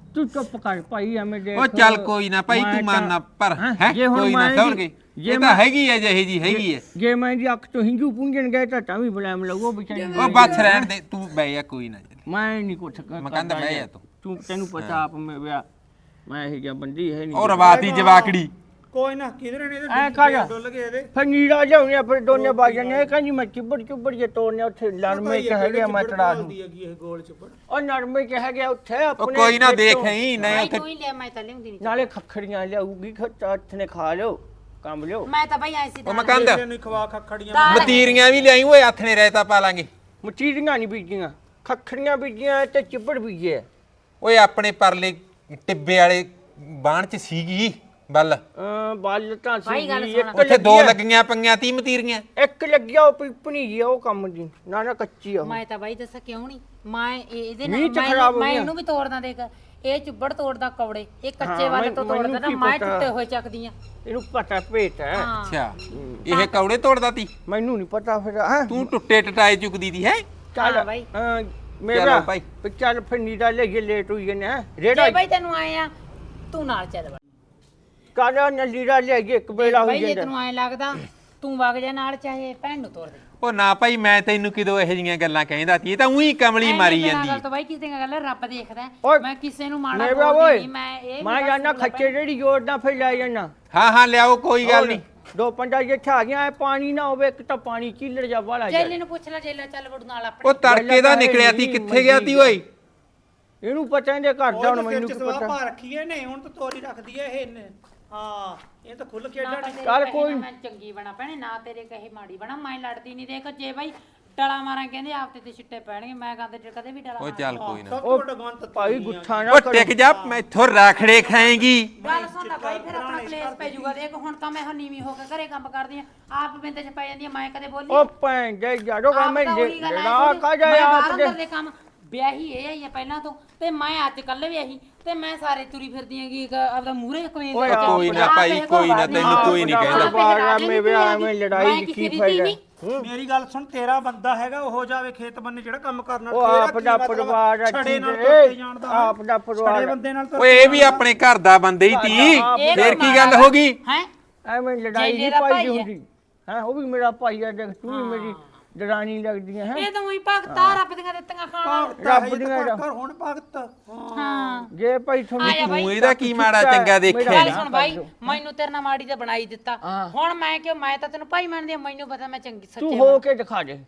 ਤੂੰ ਚੁੱਪ ਕਰ ਭਾਈ ਐਵੇਂ ਦੇਖ
ਉਹ ਚੱਲ ਕੋਈ ਨਾ ਭਾਈ ਤੂੰ ਮੰਨ ਨਾ ਪਰ ਹੈ ਕੋਈ ਨਾ ਸਮਝ ਇਹ ਤਾਂ ਹੈਗੀ ਹੈ ਜਿਹੇ ਜੀ ਹੈਗੀ ਹੈ
ਜੇ ਮੈਂ ਦੀ ਅੱਖ ਤੋਂ ਹਿੰਜੂ ਪੁੰਜਣ ਗਏ ਤਾਂ ਵੀ ਬਲੈਮ ਲੱਗੋ ਵਿਚਾਰੇ
ਉਹ ਬੱਸ ਰਹਿਣ ਦੇ ਤੂੰ ਬਹਿ ਜਾ ਕੋਈ ਨਾ
ਮੈਂ ਨਹੀਂ ਕੁਛ
ਮੈਂ ਕਹਿੰਦਾ ਬਹਿ ਜਾ
ਤੂੰ ਤੈਨੂੰ ਪਤਾ ਆਪ ਮੈਂ ਵਿਆਹ ਮੈਂ ਇਹ ਜਿਹਾ ਬੰਦੀ ਹੈ ਨਹੀਂ
ਉਹ ਰਵਾਤੀ ਜਵਾਕੜੀ
ਕੋਈ ਨਾ ਕਿਧਰੇ ਨੇ
ਐ ਕਰ
ਡੁੱਲ ਗਏ ਇਹਦੇ
ਫਿਰ ਨੀੜਾ ਲਿਆਉਣੇ ਫਿਰ ਦੋਨੇ ਬਾਜਾਂ ਨੇ ਕਹਿੰਦੀ ਮੈਂ ਚੁੱਬੜ ਜੇ ਤੋੜਨੇ ਉੱਥੇ ਨਰਮੇ ਚ ਹੈਗੇ ਮੈਂ ਤੜਾ ਦੂੰ
ਇਹ ਗੋਲ ਚੁੱਪੜ
ਉਹ ਨਰਮੇ ਚ ਹੈਗੇ ਉੱਥੇ
ਉਹ
ਆਪਣੇ
ਕੋਈ ਨਾ ਦੇਖ ਹੀ ਨਹੀਂ ਉੱਥੇ
ਤੂੰ ਹੀ ਲੈ ਮੈਂ ਤਾਂ ਲਿਆਉਂਦੀ ਨਹੀਂ
ਨਾਲੇ ਖੱਖੜੀਆਂ ਲਿਆਊਗੀ ਹੱਥ ਨੇ ਖਾ ਲਿਓ ਕੰਮ ਲਿਓ
ਮੈਂ ਤਾਂ ਬਈ ਐਸੀ
ਉਹ ਮੈਂ ਕਹਿੰਦਾ
ਨੂੰ ਖਵਾ ਖੱਖੜੀਆਂ
ਮਤੀਰੀਆਂ ਵੀ ਲਿਆਈ ਓਏ ਹੱਥ ਨੇ ਰਹਿਤਾ ਪਾ ਲਾਂਗੇ
ਮਚੀਰੀਆਂ ਨਹੀਂ ਬੀਜੀਆਂ ਖੱਖੜੀਆਂ ਬੀਜੀਆਂ ਤੇ ਚਿੱਬੜ ਬੀਜੇ
ਓਏ ਆਪਣੇ ਪਰਲੇ ਟਿੱਬੇ ਵਾਲੇ ਬਾਣ ਚ ਸੀਗੀ ਬੱਲ
ਬੱਲ ਤਾਂ
ਭਾਈ ਗੱਲ
ਸੀ
ਸੁਣ।
ਉੱਥੇ ਦੋ ਲੱਗੀਆਂ ਪਈਆਂ 30 ਮਤੀਰੀਆਂ
ਇੱਕ ਲੱਗਿਆ ਉਹ ਪਿਪਣੀ ਜੀ ਉਹ ਕੰਮ ਦੀ ਨਾ ਕੱਚੀ ਆ ਉਹ।
ਮੈਂ ਤਾਂ ਬਾਈ ਦੱਸਾਂ ਕਿਉਂ ਨਹੀਂ ਮੈਂ ਇਹਦੇ
ਮੀਂਹ ਚ
ਨਾਲ
ਖਰਾਬ ਹੋ
ਮੈਂ
ਗਿਆ।
ਇਹਨੂੰ ਵੀ ਤੋੜਦਾ ਦੇਖ ਇਹ ਚੁੱਬੜ ਤੋੜਦਾ ਕੌੜੇ ਇਹ ਕੱਚੇ
ਹਾਂ,
ਵੱਲ ਤੋਂ
ਮੈਨੂੰ
ਤੋੜਦਾ ਨਾ
ਕੀ
ਮੈਂ
ਪਤਾ।
ਟੁੱਟੇ ਹੋਏ ਚੱਕਦੀਆਂ
ਇਹਨੂੰ ਪਤਾ ਭੇਟ ਹੈ
ਹਾਂ
ਅੱਛਾ ਇਹ ਕੌੜੇ ਤੋੜਦਾ ਤੀ
ਮੈਨੂੰ ਨਹੀਂ ਪਤਾ ਫਿਰ ਹੈ
ਤੂੰ ਟੁੱਟੇ ਟਟਾਏ ਚੁੱਕਦੀ ਦੀ ਹੈ
ਚੱਲ
ਹਾਂ ਬਾਈ।
ਮੇਰਾ
ਚਲੋ ਭਾਈ।
ਚੱਲ ਫਿਰ ਨੀੜਾ ਲੈ ਕੇ ਲੇਟ ਹੋਈ ਨੇ
ਜੇ
ਰੇੜਾ
ਬਾਈ ਤੈਨੂੰ ਆਏ ਆ ਤੂੰ ਨਾਲ ਚੱਲ ਵੜ
ਕਾਲਾ ਨੀੜਾ ਲੈ ਕੇ ਇੱਕ ਵੇਲਾ
ਬਾਈ
ਹੋਈ
ਜੇ
ਜਾਂਦਾ
ਤੈਨੂੰ ਆਏ ਲੱਗਦਾ ਤੂੰ ਵਗ ਜਾ ਨਾਲ ਚਾਹੇ ਭੈਣ ਨੂੰ ਤੋੜ ਦੇ
ਉਹ ਨਾ ਭਾਈ ਮੈਂ ਤੈਨੂੰ ਕਿਦੋਂ ਇਹੋ ਜੀਆਂ ਗੱਲਾਂ ਕਹਿੰਦਾ ਤੀ ਇਹ ਤਾਂ ਉਹੀ ਕਮਲੀ ਮਾਰੀ ਜਾਂਦੀ
ਗੱਲ ਤਾਂ ਬਾਈ ਕਿਸੇ ਦੀ ਗੱਲ ਰੱਬ ਦੇਖਦਾ ਹੈ।
ਓਏ,
ਮੈਂ ਕਿਸੇ ਨੂੰ ਮਾੜਾ
ਮੇਰਾ
ਬੋਲਦੀ
ਓਏ
ਨਹੀਂ ਮੈਂ ਇਹ
ਮੈਂ ਜਾਣਾ ਖੱਚੇ ਜਿਹੜੀ ਜੋੜਦਾ ਫਿਰ ਲੈ ਜਾਣਾ
ਹਾਂ ਹਾਂ ਲਿਆਓ ਕੋਈ ਗੱਲ ਨਹੀਂ
ਦੋ ਪੰਜਾ ਜੇ ਠਾ ਗਿਆ ਪਾਣੀ ਨਾ ਹੋਵੇ ਇੱਕ ਤਾਂ ਪਾਣੀ ਚੀਲੜ ਜਾ ਵਾਲਾ ਜਾ
ਜੈਲੇ ਨੂੰ ਪੁੱਛ ਲੈ ਜੈਲਾ ਚੱਲ ਵੜੂ ਨਾਲ ਆਪਣੇ
ਉਹ ਤੜਕੇ ਦਾ ਨਿਕਲਿਆ ਤੀ ਕਿੱਥੇ ਗਿਆ ਤੀ ਓਏ
ਇਹਨੂੰ ਪਤਾ ਇਹਦੇ ਘਰ ਦਾ ਹੁਣ ਮੈਨੂੰ ਕੀ
ਸਵਾ
ਪਤਾ
ਪਾ ਰੱਖੀ ਨੇ ਹੁਣ ਤਾਂ ਤੋਰੀ ਰੱਖਦੀ ਐ ਇਹ ਹਾਂ ਇਹ ਤਾਂ ਖੁੱਲ ਕੇ
ਨਾ ਤਾਂ
ਡਾਣੀ
ਤੇਰੇ
ਚੱਲ
ਕਹੇ
ਕੋਈ
ਨਾ ਮੈਂ ਚੰਗੀ ਬਣਾ ਭੈਣੇ ਨਾ ਤੇਰੇ ਕਹੇ ਮਾੜੀ ਬਣਾ ਮੈਂ ਲੜਦੀ ਨਹੀਂ ਦੇਖ ਜੇ ਬਾਈ ਡਲਾ ਮਾਰਾਂ ਕਹਿੰਦੇ ਆਪ ਤੇ ਛਿੱਟੇ ਪੈਣਗੇ ਮੈਂ ਕਹਿੰਦੇ ਕਦੇ ਵੀ ਡਲਾ
ਉਹ ਚੱਲ ਕੋਈ ਨਾ
ਸਭ ਤੋਂ ਵੱਡਾ ਗਵੰਤ
ਭਾਈ ਗੁੱਠਾ ਨਾ
ਉਹ
ਕਰੋ
ਟਿਕ ਜਾ ਮੈਥੋਂ ਰਾਖੜੇ ਖਾਏਗੀ
ਗੱਲ ਸੁਣ ਲੈ ਬਾਈ ਫਿਰ ਆਪਣਾ ਪਲੇਸ ਪੈ ਜਾਊਗਾ ਦੇਖ ਹੁਣ ਤਾਂ ਮੈਂ ਨੀਵੀਂ ਹੋ ਕੇ ਘਰੇ ਕੰਮ ਕਰਦੀ ਆ ਆਪ ਬਿੰਦੇ ਚ ਪੈ ਜਾਂਦੀ ਆ ਮੈਂ ਕਦੇ ਬੋਲੀ
ਉਹ ਭੈਣ ਦੇ ਜਾੜੋ
ਆਪ
ਮੈਂ
ਤਾਂ ਉਹੀ ਗੱਲ
ਲੜਾ
ਆਈ
ਕਾ
ਮੈਂ
ਜਾਏ
ਬਾਹਰ
ਆਪ ਦੇ
ਅੰਦਰ ਦੇ ਕੰਮ ਵਿਆਹੀ ਇਹ ਆਈ ਆ ਪਹਿਲਾਂ ਤੋਂ ਤੇ ਮੈਂ ਅੱਜ ਕੱਲ ਵਿਆਹੀ ਤੇ ਮੈਂ ਸਾਰੇ ਤੁਰੀ ਫਿਰਦੀ ਆਂਗੀ ਆਪਦਾ ਮੂਹਰੇ ਕਮੇਂ
ਓਏ
ਕੋਈ ਨਾ ਭਾਈ ਕੋਈ ਨਾ ਤੈਨੂੰ ਕੋਈ ਨਹੀਂ ਕਹਿੰਦਾ
ਬਾਹਰ ਮੈਂ ਵਿਆਹ ਮੈਂ ਲੜਾਈ ਦੀ ਕੀ ਫਾਇਦਾ
ਮੇਰੀ ਗੱਲ ਸੁਣ ਤੇਰਾ ਬੰਦਾ ਹੈਗਾ ਉਹ ਜਾਵੇ ਖੇਤ ਬੰਨੇ ਜਿਹੜਾ ਕੰਮ ਕਰਨਾ
ਉਹ ਆਪ ਦਾ ਪਰਿਵਾਰ ਆ
ਛੜੇ ਨਾਲ
ਠੀਕ ਹੈ।
ਟੁੱਟ ਜਾਣਦਾ
ਆਪ ਦਾ ਪਰਿਵਾਰ
ਛੜੇ
ਆ।
ਬੰਦੇ ਨਾਲ ਤਾਂ
ਓਏ ਇਹ ਵੀ ਆਪਣੇ ਘਰ ਦਾ ਬੰਦੇ ਹੀ ਤੀ ਫੇਰ ਕੀ ਗੱਲ ਹੋ ਗਈ
ਹੈ
ਐਵੇਂ ਲੜਾਈ
ਜੇਲੇ
ਨਹੀਂ
ਦਾ
ਪਾਈ
ਭਾਈ ਹੈ।
ਹੁੰਦੀ ਹੈ ਉਹ ਵੀ ਮੇਰਾ ਭਾਈ ਆ ਦੇਖ ਤੂੰ ਵੀ ਮੇਰੀ ਦਰਾਣੀ ਲੱਗਦੀਆਂ ਹੈ
ਇਹ ਤਾਂ ਉਹੀ ਭਗਤਾ ਰੱਬ ਦੀਆਂ ਦਿੱਤੀਆਂ ਖਾਣਾ
ਰੱਬ ਦੀਆਂ
ਕਰ ਹੁਣ ਭਗਤ
ਹਾਂ
ਜੇ ਭਾਈ ਤੁਹਾਨੂੰ
ਆਇਆ ਬਾਈ
ਤੂੰ ਇਹਦਾ ਕੀ ਮਾੜਾ ਚੰਗਾ ਦੇਖਿਆ
ਗੱਲ
ਨੀ?
ਸੁਣ ਬਾਈ ਮੈਨੂੰ ਤੇਰੇ ਨਾਲ ਮਾੜੀ ਤਾਂ ਬਣਾਈ ਦਿੱਤਾ ਹੁਣ ਮੈਂ ਕਿਉਂ ਮੈਂ ਤਾਂ ਤੈਨੂੰ ਭਾਈ ਮੰਨਦੀ ਆ ਮੈਨੂੰ ਪਤਾ ਮੈਂ ਚੰਗੀ
ਤੂੰ
ਸੱਚੇ
ਹੋ ਕੇ ਦਿਖਾ ਦੇ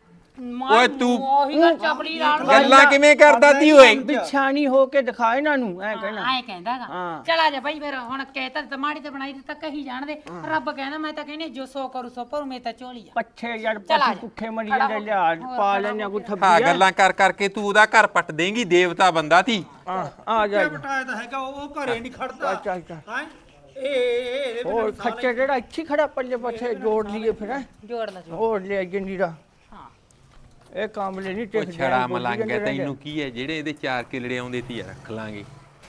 ਓਏ ਤੂੰ
ਉਹੀ ਗੱਲ ਚਪਲੀ ਨਾਲ
ਗੱਲਾਂ ਕਿਵੇਂ ਕਰਦਾ ਤੀ ਓਏ
ਬਿਛਾਣੀ ਹੋ ਕੇ ਦਿਖਾ ਇਹਨਾਂ ਨੂੰ ਐ ਕਹਿਣਾ
ਆਏ ਕਹਿੰਦਾਗਾ
ਹਾਂ।
ਚਲ ਆ ਜਾ ਬਾਈ ਫਿਰ ਹੁਣ ਕਹਿਤਾ ਤੇ ਮਾੜੀ ਤੇ ਬਣਾਈ ਦਿੱਤਾ ਕਹੀ ਜਾਣਦੇ ਰੱਬ ਕਹਿੰਦਾ ਮੈਂ ਤਾਂ ਕਹਿੰਦੀ ਜੋ ਸੋ ਕਰੂ ਸੋ ਭਰੂ ਮੇ ਤਾਂ ਝੋਲੀ ਆ
ਪੱਛੇ ਯਾਰ
ਚੱਲ ਆ
ਪੱਛੇ
ਜਾ।
ਕੁੱਖੇ ਮਰੀ ਜਾਂਦੇ ਲਿਆ ਪਾ ਲੈਣਾ ਕੋਈ
ਹਾਂ
ਥੱਬੀ
ਗੱਲਾਂ ਕਰ ਕਰਕੇ ਤੂੰ ਉਹਦਾ ਘਰ ਪੱਟ ਦੇਂਗੀ ਦੇਵਤਾ ਬੰਦਾ ਤੀ
ਆ ਜਾ
ਬਟਾਇਆ ਤਾਂ ਹੈਗਾ ਉਹ ਘਰੇ ਨਹੀਂ ਖੜਦਾ
ਚੱਲ ਚੱਲ
ਹਾਂ ਇਹ
ਹੋਰ ਖੱਚੇ ਜਿਹੜਾ ਇੱਥੇ ਖੜਾ ਪੱਲੇ ਪੱਛੇ ਜੋੜ ਲਈਏ ਫਿਰ ਹੈਂ।
ਜੋੜ ਲਾ ਜੋੜ
ਹੋਰ ਲੈ ਜੰਡੀਰਾ
ਹਾਂ
ਇਹ ਕਾਮਲੇ ਨਹੀਂ
ਉਹ
ਟਿਕ
ਛੜਾ ਮਲੰਗ ਹੈ ਤੈਨੂੰ ਕੀ ਹੈ ਜਿਹੜੇ ਇਹਦੇ 4 ਕਿਲੜੇ ਆਉਂਦੇ ਤੀ ਰੱਖ ਲਾਂਗੇ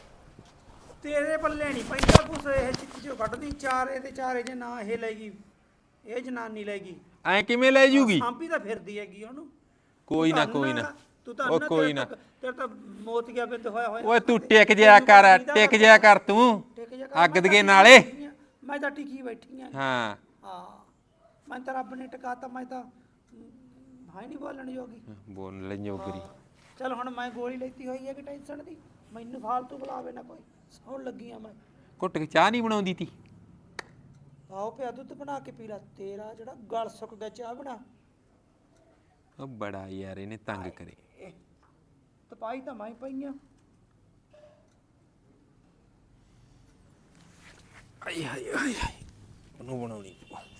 ਤੇਰੇ ਪੱਲੇ ਨਹੀਂ ਪੈਂਦਾ ਕੁਛ ਇਹ ਚਿੱਚੋ ਕੱਢਦੀ ਚਾਰੇ ਤੇ ਚਾਰੇ ਜੇ ਨਾ ਇਹ ਲੈਗੀ ਇਹ ਜਨਾਨੀ ਲੈਗੀ
ਐ ਕਿਵੇਂ ਲੈ ਜੂਗੀ
ਸਾਂਭੀ ਤਾਂ ਫਿਰਦੀ ਹੈਗੀ ਉਹਨੂੰ
ਕੋਈ ਨਾ ਕੋਈ ਨਾ
ਤੂੰ ਤਾਂ
ਉਹ ਕੋਈ ਨਾ
ਤੇਰੇ ਤਾਂ ਮੋਤੀਆ ਬਿੰਦ ਹੋਇਆ ਹੋਇਆ
ਓਏ ਤੂੰ ਟਿਕ ਜਿਆ ਕਰ ਤੂੰ
ਟਿਕ ਜਾ ਕਰ,
ਅੱਗ
ਮੈਂ ਤਾਂ
ਦੇ ਨਾਲੇ
ਟਿਕੀ ਆ, ਮੈਂ ਤਾਂ ਟਿਕੀ ਬੈਠੀ ਆ
ਹਾਂ
ਹਾਂ ਮੈਂ ਤਾਂ ਰੱਬ ਨੇ ਟਿਕਾਤਾ ਮੈਂ ਤਾਂ ਹਾਈ ਨਹੀਂ ਬੋਲਣ ਜੋਗੀ
ਬੋਲ ਲੈ ਜੋਗਰੀ
ਚਲ ਹੁਣ ਮੈਂ ਗੋਲੀ ਲੈਤੀ ਹੋਈ ਹੈ ਕਿ ਟੈਨਸ਼ਨ ਦੀ ਮੈਨੂੰ ਫਾਲਤੂ ਬੁਲਾਵੇ ਨਾ ਕੋਈ ਸੌਣ ਲੱਗੀ ਆ ਮੈਂ
ਘੁੱਟ ਕੇ ਚਾਹ ਨਹੀਂ ਬਣਾਉਂਦੀ ਤੀ
ਆਓ ਪਿਆ ਦੁੱਧ ਬਣਾ ਕੇ ਪੀ ਲੈ ਤੇਰਾ ਜਿਹੜਾ ਗਲ ਸੁੱਕ ਗਿਆ ਚਾਹ ਬਣਾ
ਉਹ ਬੜਾ ਯਾਰ ਇਹਨੇ ਤੰਗ ਕਰੇ
ਤਪਾਈ ਤਾਂ ਮੈਂ ਪਈਆਂ
ਆਈ ਹਾਏ ਹਾਏ ਉਹਨੂੰ ਬਣਾਉਣੀ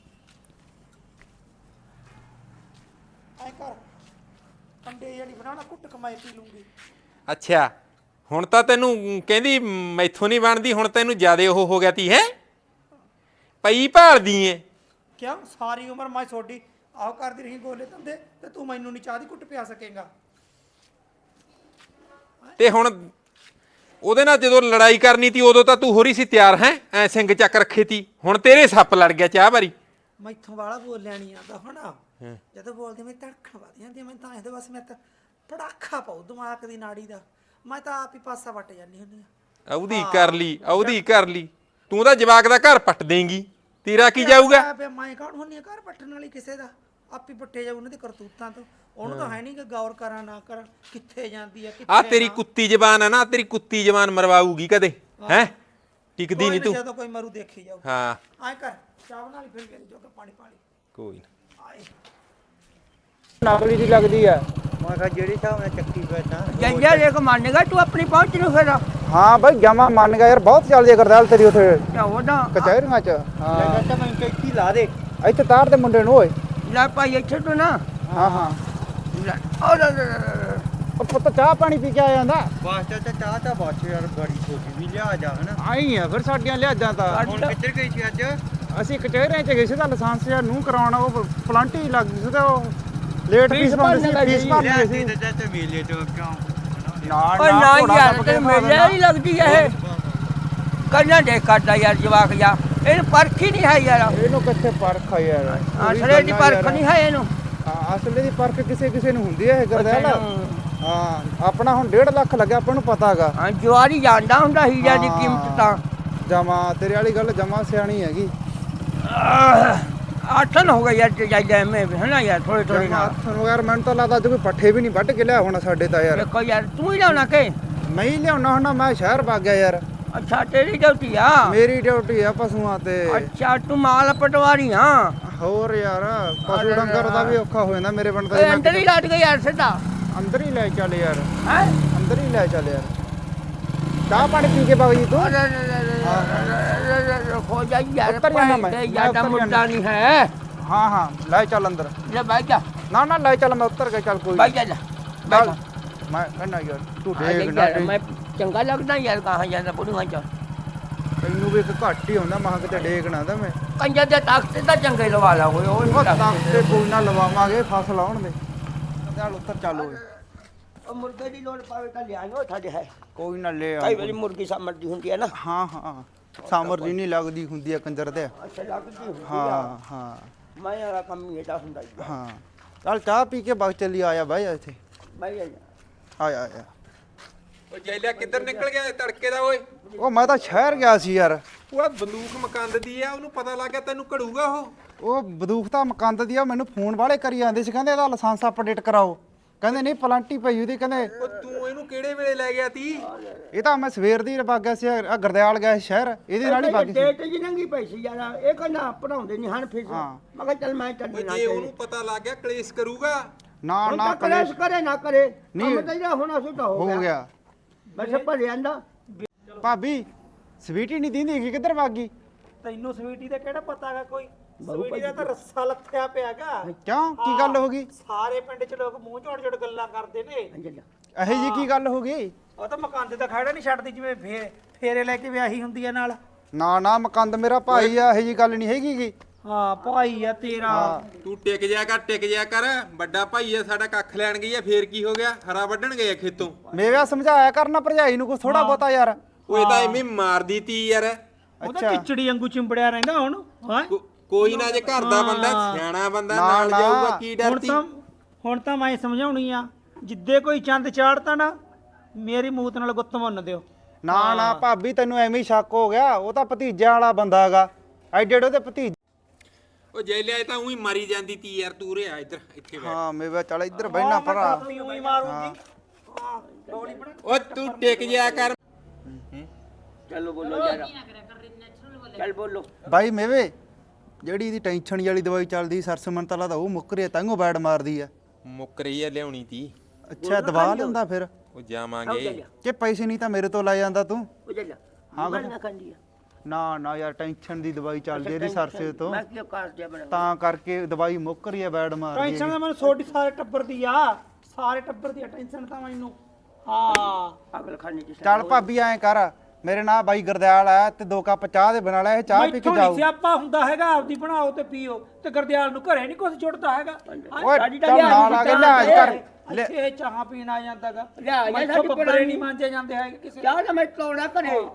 ਐ ਕਰ ਕੰਡੇ ਜਿਹੜੀ ਬਣਾਣਾ ਕੁੱਟ ਕਮਾਈ ਪੀ ਲੂੰਗੀ
ਅੱਛਾ ਹੁਣ ਤਾਂ ਤੈਨੂੰ ਕਹਿੰਦੀ ਮੈਥੋਂ ਨਹੀਂ ਬਣਦੀ ਹੁਣ ਤੈਨੂੰ ਜ਼ਿਆਦੇ ਉਹ ਹੋ ਗਿਆ ਤੀ ਹੈ ਪਈ ਭਾਲਦੀ ਏ
ਕਿਉਂ ਸਾਰੀ ਉਮਰ ਮੈਂ ਛੋਡੀ ਆਹ ਕਰਦੀ ਰਹੀ ਗੋਲੇ ਧੰਦੇ ਤੇ ਤੂੰ ਮੈਨੂੰ ਨਹੀਂ ਚਾਹ ਦੀ ਕੁੱਟ ਪਿਆ ਸਕੇਗਾ
ਤੇ ਹੁਣ ਉਹਦੇ ਨਾਲ ਜਦੋਂ ਲੜਾਈ ਕਰਨੀ ਤੀ ਉਦੋਂ ਤਾਂ ਤੂੰ ਹੋਰੀ ਸੀ ਤਿਆਰ ਹੈ ਐ ਸਿੰਘ ਚੱਕ ਰੱਖੇ ਤੀ ਹੁਣ ਤੇਰੇ ਸੱਪ ਲੜ ਗਿਆ ਚਾਹ ਵਾਰੀ
ਮੈਥੋਂ ਵਾਲਾ ਬੋਲਿਆ ਨਹੀਂ ਆਂਦਾ ਹੁਣ ਜਦੋਂ ਬੋਲਦੇ ਮੈਂ ਧੜਕਣ ਵੱਧ ਜਾਂਦੀ ਮੈਂ ਤਾਂ ਇਹਦੇ ਬਸ ਮੈਂ ਤਾਂ ਪੜਾਖਾ ਪਾਉ ਦਿਮਾਗ ਦੀ ਨਾੜੀ ਦਾ ਮੈਂ ਤਾਂ ਆਪ ਹੀ ਪਾਸਾ ਵੱਟ ਜਾਂਦੀ ਹੁੰਦੀ ਆ।
ਉਹਦੀ ਕਰ ਲਈ ਉਹਦੀ ਕਰ ਲਈ, ਤੂੰ ਤਾਂ ਜਵਾਕ ਦਾ ਘਰ ਪੱਟ ਦੇਂਗੀ, ਤੇਰਾ ਕੀ ਜਾਊਗਾ?
ਮੈਂ ਕੌਣ ਹੁੰਨੀ ਆ ਘਰ ਪੱਟਣ ਵਾਲੀ ਕਿਸੇ ਦਾ? ਆਪ ਹੀ ਪੱਟੇ ਜਾਊ ਉਹਨਾਂ ਦੀ ਕਰਤੂਤਾਂ ਤੋਂ। ਉਹਨੂੰ ਤਾਂ ਹੈ ਨਹੀਂ ਕਿ ਗੌਰ ਕਰਾਂ ਨਾ ਕਰਾਂ ਕਿੱਥੇ ਜਾਂਦੀ ਆ
ਆ ਤੇਰੀ ਕੁੱਤੀ ਜ਼ਬਾਨ ਆ ਨਾ, ਤੇਰੀ ਕੁੱਤੀ ਜ਼ਬਾਨ ਮਰਵਾਊਗੀ ਕਦੇ, ਹੈ ਟਿਕਦੀ ਨਹੀਂ ਤੂੰ।
ਜਦੋਂ ਕੋਈ ਮਰੂ ਦੇਖੀ ਜਾਊ।
ਹਾਂ
ਆਏ ਕਰ ਚਾਹ ਬਣਾ ਲਈ, ਫਿਰ ਜੋ ਕੇ ਪਾਣੀ ਪਾ ਲਈ।
ਕੋਈ ਨਾ।
ਆਏ
ਨਕਲੀ ਦੀ ਲੱਗਦੀ ਆ।
ਮੈਂ ਕਿਹਾ ਜਿਹੜੀ ਹਿਸਾਬ ਨਾਲ ਚੱਕੀ ਬੈਠਾ
ਜੰਜਾ ਦੇਖ ਮੰਨੇਗਾ ਤੂੰ ਆਪਣੀ ਪਹੁੰਚ ਨੂੰ ਫਿਰ? ਹਾਂ ਬਾਈ ਜਮਾ ਮੰਨ ਗਿਆ ਯਾਰ, ਬਹੁਤ ਚੱਲਦੀ ਆ ਗਰਦਾਲ ਤੇਰੀ ਉੱਥੇ
ਉਹਦਾ
ਕਚਹਿਰੀਆਂ ਚ।
ਲੈ ਤਾਂ ਮੈਂ ਇੱਥੇ ਲਾ ਦੇ।
ਇੱਥੇ ਤਾਰ ਦੇ ਮੁੰਡੇ ਨੂੰ ਓਏ।
ਲੈ ਭਾਈ ਇੱਥੇ ਤੋਂ ਨਾ
ਹਾਂ ਹਾਂ ਉਹ ਪੁੱਤ ਚਾਹ ਪਾਣੀ ਪੀ ਕੇ ਆ ਜਾਂਦਾ।
ਵਾਸਤਾ ਤਾਂ ਚਾਹ ਤਾਂ ਬਾਛ ਯਾਰ ਬੜੀ ਛੋਟੀ ਵੀ ਲਿਆ ਜਾ ਹਨਾ।
ਆਈ ਆ ਫਿਰ ਸਾਡੀਆਂ ਲਿਆਜਾਂ ਤਾਂ।
ਹੁਣ ਕਿੱਧਰ ਗਈ ਸੀ ਅੱਜ?
ਅਸੀਂ ਕਚਹਿਰੀਆਂ ਚ ਗਏ ਸੀ ਤਾਂ ਲਾਇਸੈਂਸ ਯਾਰ ਨੂੰ ਕਰਾਉਣਾ, ਉਹ ਪਲਾਂਟੀ ਲੱਗ ਗਈ ਸੀ ਤੇ ਉਹ ਲੇਟ ਫੀਸ ਭਰਨੀ ਸੀ, ਫੀਸ ਭਰਨੀ ਸੀ।
ਤੇ ਮੇਲੇ ਤੋਂ ਕਿਉਂ
ਓਏ ਨਾ ਯਾਰ ਤੇ
ਮੇਲੇ ਨਹੀਂ ਲੱਗਦੀ ਇਹ ਕੰਨਾਂ ਦੇ ਕੱਟਦਾ ਯਾਰ ਜਵਾਕ ਜਾ, ਇਹਨੂੰ ਪਰਖ ਹੀ ਨਹੀਂ ਹੈ ਯਾਰ।
ਇਹਨੂੰ ਕਿੱਥੇ ਪਰਖ ਆ ਯਾਰ?
ਅਸਲੇ ਦੀ ਪਰਖ ਨਹੀਂ ਹੈ ਇਹਨੂੰ।
ਹਾਂ ਅਸਲੇ ਦੀ ਪਰਖ ਕਿਸੇ ਕਿਸੇ ਨੂੰ ਹੁੰਦੀ ਹੈ ਗਰਦਾਲ। ਹਾਂ ਆਪਣਾ ਹੁਣ 1.5 ਲੱਖ ਲੱਗਿਆ, ਆਪਾਂ ਨੂੰ ਪਤਾ ਹੈਗਾ।
ਹਾਂ ਜਵਾਰੀ ਜਾਣਦਾ ਹੁੰਦਾ ਹੀਰਾ ਦੀ ਕੀਮਤ ਤਾਂ।
ਜਮਾ ਤੇਰੇ ਵਾਲੀ ਗੱਲ ਜਮਾ ਸਿਆਣੀ ਹੈਗੀ।
ਆਠਨ ਹੋ ਗਿਆ ਯਾਰ ਜਾਇਦਾ ਮੈਂ ਹੈ ਨਾ ਯਾਰ, ਥੋੜੀ ਥੋੜੀ ਨਾਲ।
ਤੁਹਾਨੂੰ ਯਾਰ ਮੈਨੂੰ ਤਾਂ ਲੱਗਦਾ ਅੱਜ ਕੋਈ ਪੱਠੇ ਵੀ ਨਹੀਂ ਵੱਢ ਕੇ ਲਿਆ ਹੋਣਾ ਸਾਡੇ ਤਾਂ ਯਾਰ।
ਦੇਖੋ ਯਾਰ ਤੂੰ ਹੀ ਲਿਆਉਣਾ ਕਿ
ਮੈਂ ਹੀ ਲਿਆਉਣਾ ਹੁੰਦਾ, ਮੈਂ ਸ਼ਹਿਰ ਵਗ ਗਿਆ ਯਾਰ।
ਅੱਛਾ ਤੇਰੀ ਡਿਊਟੀ ਆ?
ਮੇਰੀ ਡਿਊਟੀ ਆ ਪਸ਼ੂਆਂ ਤੇ।
ਅੱਛਾ ਤੂੰ ਮਾਲ ਪਟਵਾਰੀ ਹਾਂ?
ਹੋਰ ਯਾਰ ਪਸ਼ੂ ਡੰਗਰ ਦਾ ਵੀ ਔਖਾ ਹੋ ਜਾਂਦਾ ਮੇਰੇ ਪਿੰਡ
ਓਏ
ਦਾ।
ਅੰਦਰ ਹੀ ਲੱਟ ਗਿਆ ਯਾਰ ਸਿੱਧਾ।
ਅੰਦਰ ਹੀ ਲੈ ਚੱਲ ਯਾਰ,
ਹੈ
ਅੰਦਰ ਹੀ ਲੈ ਚੱਲ ਯਾਰ। ਚਾਹ ਪਾਣੀ ਪੀ ਕੇ ਬਾਬੂ ਜੀ ਤੂੰ
ਖੋ ਜਾ ਯਾਰ,
ਉੱਤਰ ਜਾਣਾ ਮੈਂ,
ਤੇ
ਮੈਂ
ਜਿਆਦਾ
ਉੱਤਰ
ਮੁੱਦਾ
ਜਾਣਾ।
ਨਹੀਂ ਹੈ।
ਹਾਂ ਹਾਂ ਲੈ ਚੱਲ ਅੰਦਰ।
ਲੈ ਬਹਿ ਜਾ
ਨਾ ਨਾ ਲੈ ਚੱਲ, ਮੈਂ ਉੱਤਰ ਕੇ ਚੱਲ ਕੋਈ
ਬਹਿ ਜਾ ਬਹਿ ਜਾ।
ਮੈਂ ਕਹਿੰਦਾ ਯਾਰ ਤੂੰ
ਹਾਂ,
ਦੇਖ
ਦੇਖ
ਨਾ
ਯਾਰ, ਮੈਂ ਚੰਗਾ ਲੱਗਦਾ ਯਾਰ ਕਹਾਂ ਜਾਂਦਾ ਬੁੜੀਆਂ ਚ।
ਤੈਨੂੰ ਵੀ ਇੱਕ ਘੱਟ ਹੀ ਹੁੰਦਾ, ਮਹਾਂ ਕਿਤੇ ਡੇਕ ਨਾ ਦਾ ਮੈਂ।
ਕੰਜਰ ਦੇ ਤਖਤ ਤਾਂ ਚੰਗੇ ਲਵਾ ਲਾ ਹੋਏ
ਉਹ ਤਾਂ ਤੇ ਕੋਈ ਨਾ ਲਵਾਵਾਂਗੇ, ਫਸਲ ਆਉਣ ਦੇ। ਚੱਲ ਉੱਤਰ ਚੱਲ ਓਏ।
ਉਹ ਮੁਰਗੇ ਦੀ ਲੋੜ ਪਾਵੇ ਤਾਂ ਲਿਆਇਓ ਸਾਡੇ ਹੈ।
ਕੋਈ ਨਾ ਲੈ
ਕਈ ਵਾਰੀ ਮੁਰਗੀ ਸਮਝਦੀ ਹੁੰਦੀ ਹੈ ਨਾ।
ਹਾਂ ਹਾਂ ਸਾਮਰ ਜੀ ਨਹੀਂ ਲੱਗਦੀ ਹੁੰਦੀ ਆ ਕੰਜਰ ਤੇ।
ਅੱਛਾ ਲੱਗਦੀ ਹੁੰਦੀ ਆ।
ਹਾਂ ਹਾਂ
ਮੈਂ ਯਾਰ ਕੰਮ ਹੀ ਇਹਦਾ ਹੁੰਦਾ ਹੀ ਆ।
ਹਾਂ ਚੱਲ ਚਾਹ ਪੀ ਕੇ ਬਗ ਚੱਲੀ ਆਇਆ ਬਾਈ ਇੱਥੇ।
ਬਹਿ ਜਾ
ਆਇਆ ਆਇਆ।
ਉਹ ਜੈਲਿਆ ਕਿੱਧਰ ਨਿਕਲ ਗਿਆ ਤੜਕੇ ਦਾ ਓਏ?
ਉਹ ਮੈਂ ਤਾਂ ਸ਼ਹਿਰ ਗਿਆ ਸੀ ਯਾਰ।
ਉਹ ਬੰਦੂਕ ਮਕੰਦ ਦੀ ਆ, ਉਹਨੂੰ ਪਤਾ ਲੱਗ ਗਿਆ ਤੈਨੂੰ ਘੜੂਗਾ ਉਹ।
ਉਹ ਬੰਦੂਕ ਤਾਂ ਮਕੰਦ ਦੀ ਆ, ਮੈਨੂੰ ਫੋਨ ਵਾਲੇ ਕਰੀ ਜਾਂਦੇ ਸੀ, ਕਹਿੰਦੇ ਇਹਦਾ ਲਾਇਸੈਂਸ ਅਪਡੇਟ ਕਰਾਓ। ਕਹਿੰਦੇ ਨਹੀਂ ਪਲਾਂਟੀ ਪਈ ਉਹਦੀ, ਕਹਿੰਦੇ
ਉਹ ਤੂੰ ਇਹਨੂੰ ਕਿਹੜੇ ਵੇਲੇ ਲੈ ਗਿਆ ਤੀ?
ਇਹ ਤਾਂ ਮੈਂ ਸਵੇਰ ਦੀ ਵਗ ਗਿਆ ਸੀ, ਆ ਗਰਦਿਆਲ ਗਿਆ ਸੀ ਸ਼ਹਿਰ, ਇਹਦੇ ਨਾਲ ਹੀ ਵਗ ਗਈ ਸੀ।
ਡੇਟ ਜੀ ਨੰਗੀ ਪਈ ਸੀ ਯਾਰ, ਇਹ ਕਹਿੰਦਾ ਪੜਾਉਂਦੇ ਨਹੀਂ ਹਨ ਫੀਸ।
ਹਾਂ।
ਮੈਂ ਕਿਹਾ ਚੱਲ ਮੈਂ ਚੱਲ
ਜੇ ਉਹਨੂੰ ਪਤਾ ਲੱਗ ਗਿਆ ਕਲੇਸ਼ ਕਰੂਗਾ।
ਨਾ
ਹੁਣ
ਨਾ
ਤਾਂ ਕਲੇਸ਼ ਕਰੇ ਨਾ ਕਰੇ
ਨਹੀਂ।
ਕੰਮ ਤਾਂ ਜਿਹੜਾ ਹੋਣਾ ਸੀ ਤਾਂ
ਹੋ ਗਿਆ।
ਮੈਂ ਸਭ ਭਰ ਜਾਂਦਾ।
ਭਾਬੀ ਸਵੀਟੀ ਨਹੀਂ ਦਿੰਦੀ ਹੈਗੀ, ਕਿੱਧਰ ਵਗ ਗਈ?
ਤੈਨੂੰ ਸਵੀਟੀ ਦਾ ਕਿਹੜਾ ਪਤਾ ਹੈਗਾ? ਕੋਈ ਸਵੀਟੀ ਦਾ ਤਾਂ ਰੱਸਾ ਲੱਥਿਆ ਪਿਆਗਾ।
ਕਿਉਂ ਕੀ ਗੱਲ ਹੋ ਗਈ?
ਸਾਰੇ ਪਿੰਡ 'ਚ ਲੋਕ ਮੂੰਹ ਝੋੜ ਝੋੜ ਗੱਲਾਂ ਕਰਦੇ ਨੇ।
ਇਹੋ ਜੀ ਕੀ ਗੱਲ ਹੋ ਗਈ?
ਉਹ ਤਾਂ ਮਕਾਨ ਦਾ ਖੜਾ ਨਹੀਂ ਛੱਡਦੀ, ਜਿਵੇਂ ਫੇਰੇ ਲੈ ਕੇ ਵਿਆਹੀ ਹੁੰਦੀ ਆ ਨਾਲ।
ਨਾ ਨਾ ਮਕੰਦ ਮੇਰਾ ਭਾਈ ਆ, ਇਹੋ ਜੀ ਗੱਲ ਨਹੀਂ ਹੈਗੀ ਗੀ।
ਹਾਂ ਭਾਈ ਆ ਤੇਰਾ।
ਤੂੰ ਟਿਕ ਜਾ ਕਰ, ਟਿਕ ਜਾ ਕਰ। ਵੱਡਾ ਭਾਈ ਆ ਸਾਡਾ, ਕੱਖ ਲੈਣ ਗਈ ਆ, ਫੇਰ ਕੀ ਹੋ ਗਿਆ? ਹਰਾ ਵੱਢਣ ਗਏ ਆ ਖੇਤੋਂ।
ਮੇਰਾ ਸਮਝਾਇਆ ਕਰਨਾ ਭਰਜਾਈ ਨੂੰ ਕੁਛ ਥੋੜਾ ਬਹੁਤਾ ਯਾਰ।
ਉਹ ਇਹ ਤਾਂ ਐਵੇਂ ਮਾਰਦੀ ਤੀ ਯਾਰ।
ਉਹਦਾ ਕਿਚੜੀ ਵਾਂਗੂ ਚਿੰਬੜਿਆ ਰਹਿੰਦਾ ਹੁਣ। ਹਾਂ
ਕੋਈ ਨਾ, ਜੇ ਘਰ ਦਾ ਬੰਦਾ ਸਿਆਣਾ ਬੰਦਾ ਨਾਲ
ਨਾ।
ਜਾਊਗਾ, ਕੀ ਡਰਦੀ?
ਹੁਣ ਤਾਂ ਮੈਂ ਸਮਝਾਉਣੀ ਆ, ਜਿੱਦੇ ਕੋਈ ਚੰਦ ਚਾੜਤਾ ਨਾ ਮੇਰੀ ਮੂਤ ਨਾਲ ਗੁੱਤ ਮੁੰਨ ਦਿਓ।
ਨਾ ਨਾ ਭਾਬੀ ਤੈਨੂੰ ਐਵੇਂ ਹੀ ਸ਼ੱਕ ਹੋ ਗਿਆ, ਉਹ ਤਾਂ ਭਤੀਜਿਆਂ ਵਾਲਾ ਬੰਦਾ ਹੈਗਾ, ਐਡੇ ਉਹਦੇ ਭਤੀਜੇ।
ਉਹ ਜੈਲਿਆ ਇਹ ਤਾਂ ਉਹੀ ਮਾਰੀ ਜਾਂਦੀ ਤੀ ਯਾਰ। ਤੂੰ ਰਿਆ ਇੱਧਰ, ਇੱਥੇ ਬੈਠ।
ਹਾਂ ਮੇਵਾ ਚੱਲ ਇੱਧਰ ਬਹਿਣਾ ਭਰਾ।
ਉਹੀ ਮਾਰੂਗੀ। ਹਾਂ ਗੋਲੀ ਬਣਾ।
ਉਹ ਤੂੰ ਟਿਕ ਜਾ ਕਰ।
ਚਲੋ ਬੋਲੋ ਯਾਰ, ਚੱਲ ਬੋਲੋ।
ਬਾਈ ਮੇਵੇ ਜਿਹੜੀ ਇਹਦੀ ਟੈਨਸ਼ਨ ਵਾਲੀ ਦਵਾਈ ਚੱਲਦੀ ਸਰਸਮਨ ਤਾਂ ਲੱਗਦਾ ਉਹ ਮੁੱਕ ਰਹੀ ਆ, ਤਾਂਗੋ ਬੈਡ ਮਾਰਦੀ ਆ।
ਮੁੱਕ ਰਹੀ ਆ, ਲਿਆਉਣੀ ਤੀ।
ਅੱਛਾ ਦਵਾ ਲੈਂਦਾ ਫਿਰ
ਉਹ ਜਾਵਾਂਗੇ।
ਕਿ ਪੈਸੇ ਨਹੀਂ ਤਾਂ ਮੇਰੇ ਤੋਂ ਲੈ ਜਾਂਦਾ ਤੂੰ?
ਉਹ ਚੱਲ
ਹਾਂ
ਮੈਂ ਨਾ ਖਾਂਦੀ ਆ।
ਨਾ ਨਾ ਯਾਰ ਟੈਨਸ਼ਨ ਦੀ ਦਵਾਈ ਚੱਲਦੀ ਇਹਦੀ ਸਰਸੇ ਤੋਂ,
ਮੈਂ ਕਿਉਂ ਕਾਸ ਦਿਆ ਬਣਾ।
ਤਾਂ ਕਰਕੇ ਦਵਾਈ ਮੁੱਕ ਰਹੀ ਆ, ਬੈਡ ਮਾਰਦੀ
ਟੈਨਸ਼ਨ
ਆ।
ਤਾਂ ਮੈਨੂੰ ਛੋਟੀ ਸਾਰੇ ਟੱਬਰ ਦੀ ਆ, ਸਾਰੇ ਟੱਬਰ ਦੀ ਟੈਨਸ਼ਨ ਤਾਂ ਮੈਨੂੰ। ਹਾਂ
ਪਾਗਲ ਖਾਨੇ ਚ
ਚੱਲ ਭਾਬੀ ਐਂ ਕਰ, ਮੇਰੇ ਨਾਲ ਬਾਈ ਗਰਦਿਆਲ ਆ ਤੇ 2 ਕੱਪ ਚਾਹ ਦੇ ਬਣਾ ਲੈ, ਇਹ ਚਾਹ ਪੀ ਕੇ ਜਾਓ।
ਸਿਆਪਾ ਹੁੰਦਾ ਹੈਗਾ, ਆਪਦੀ ਬਣਾਓ ਤੇ ਪੀਓ। ਤੇ ਗਰਦਿਆਲ ਨੂੰ ਘਰੇ ਨਹੀਂ ਕੁਝ ਜੁੜਦਾ ਹੈਗਾ।
ਓਏ ਚੱਲ ਨਾਲ ਆ ਕੇ ਲਿਆ ਕਰ।
ਇੱਥੇ ਚਾਹ ਪੀਣ ਆ ਜਾਂਦਾਗਾ।
ਲਿਆ
ਮੈਥੋਂ ਬੱਬਰੇ ਨਹੀਂ ਮਾਂਜੇ ਜਾਂਦੇ ਹੈਗੇ ਕਿਸੇ।
ਚਾਹ ਤਾਂ ਮੈਂ ਤੋੜਾ ਕਰੇ।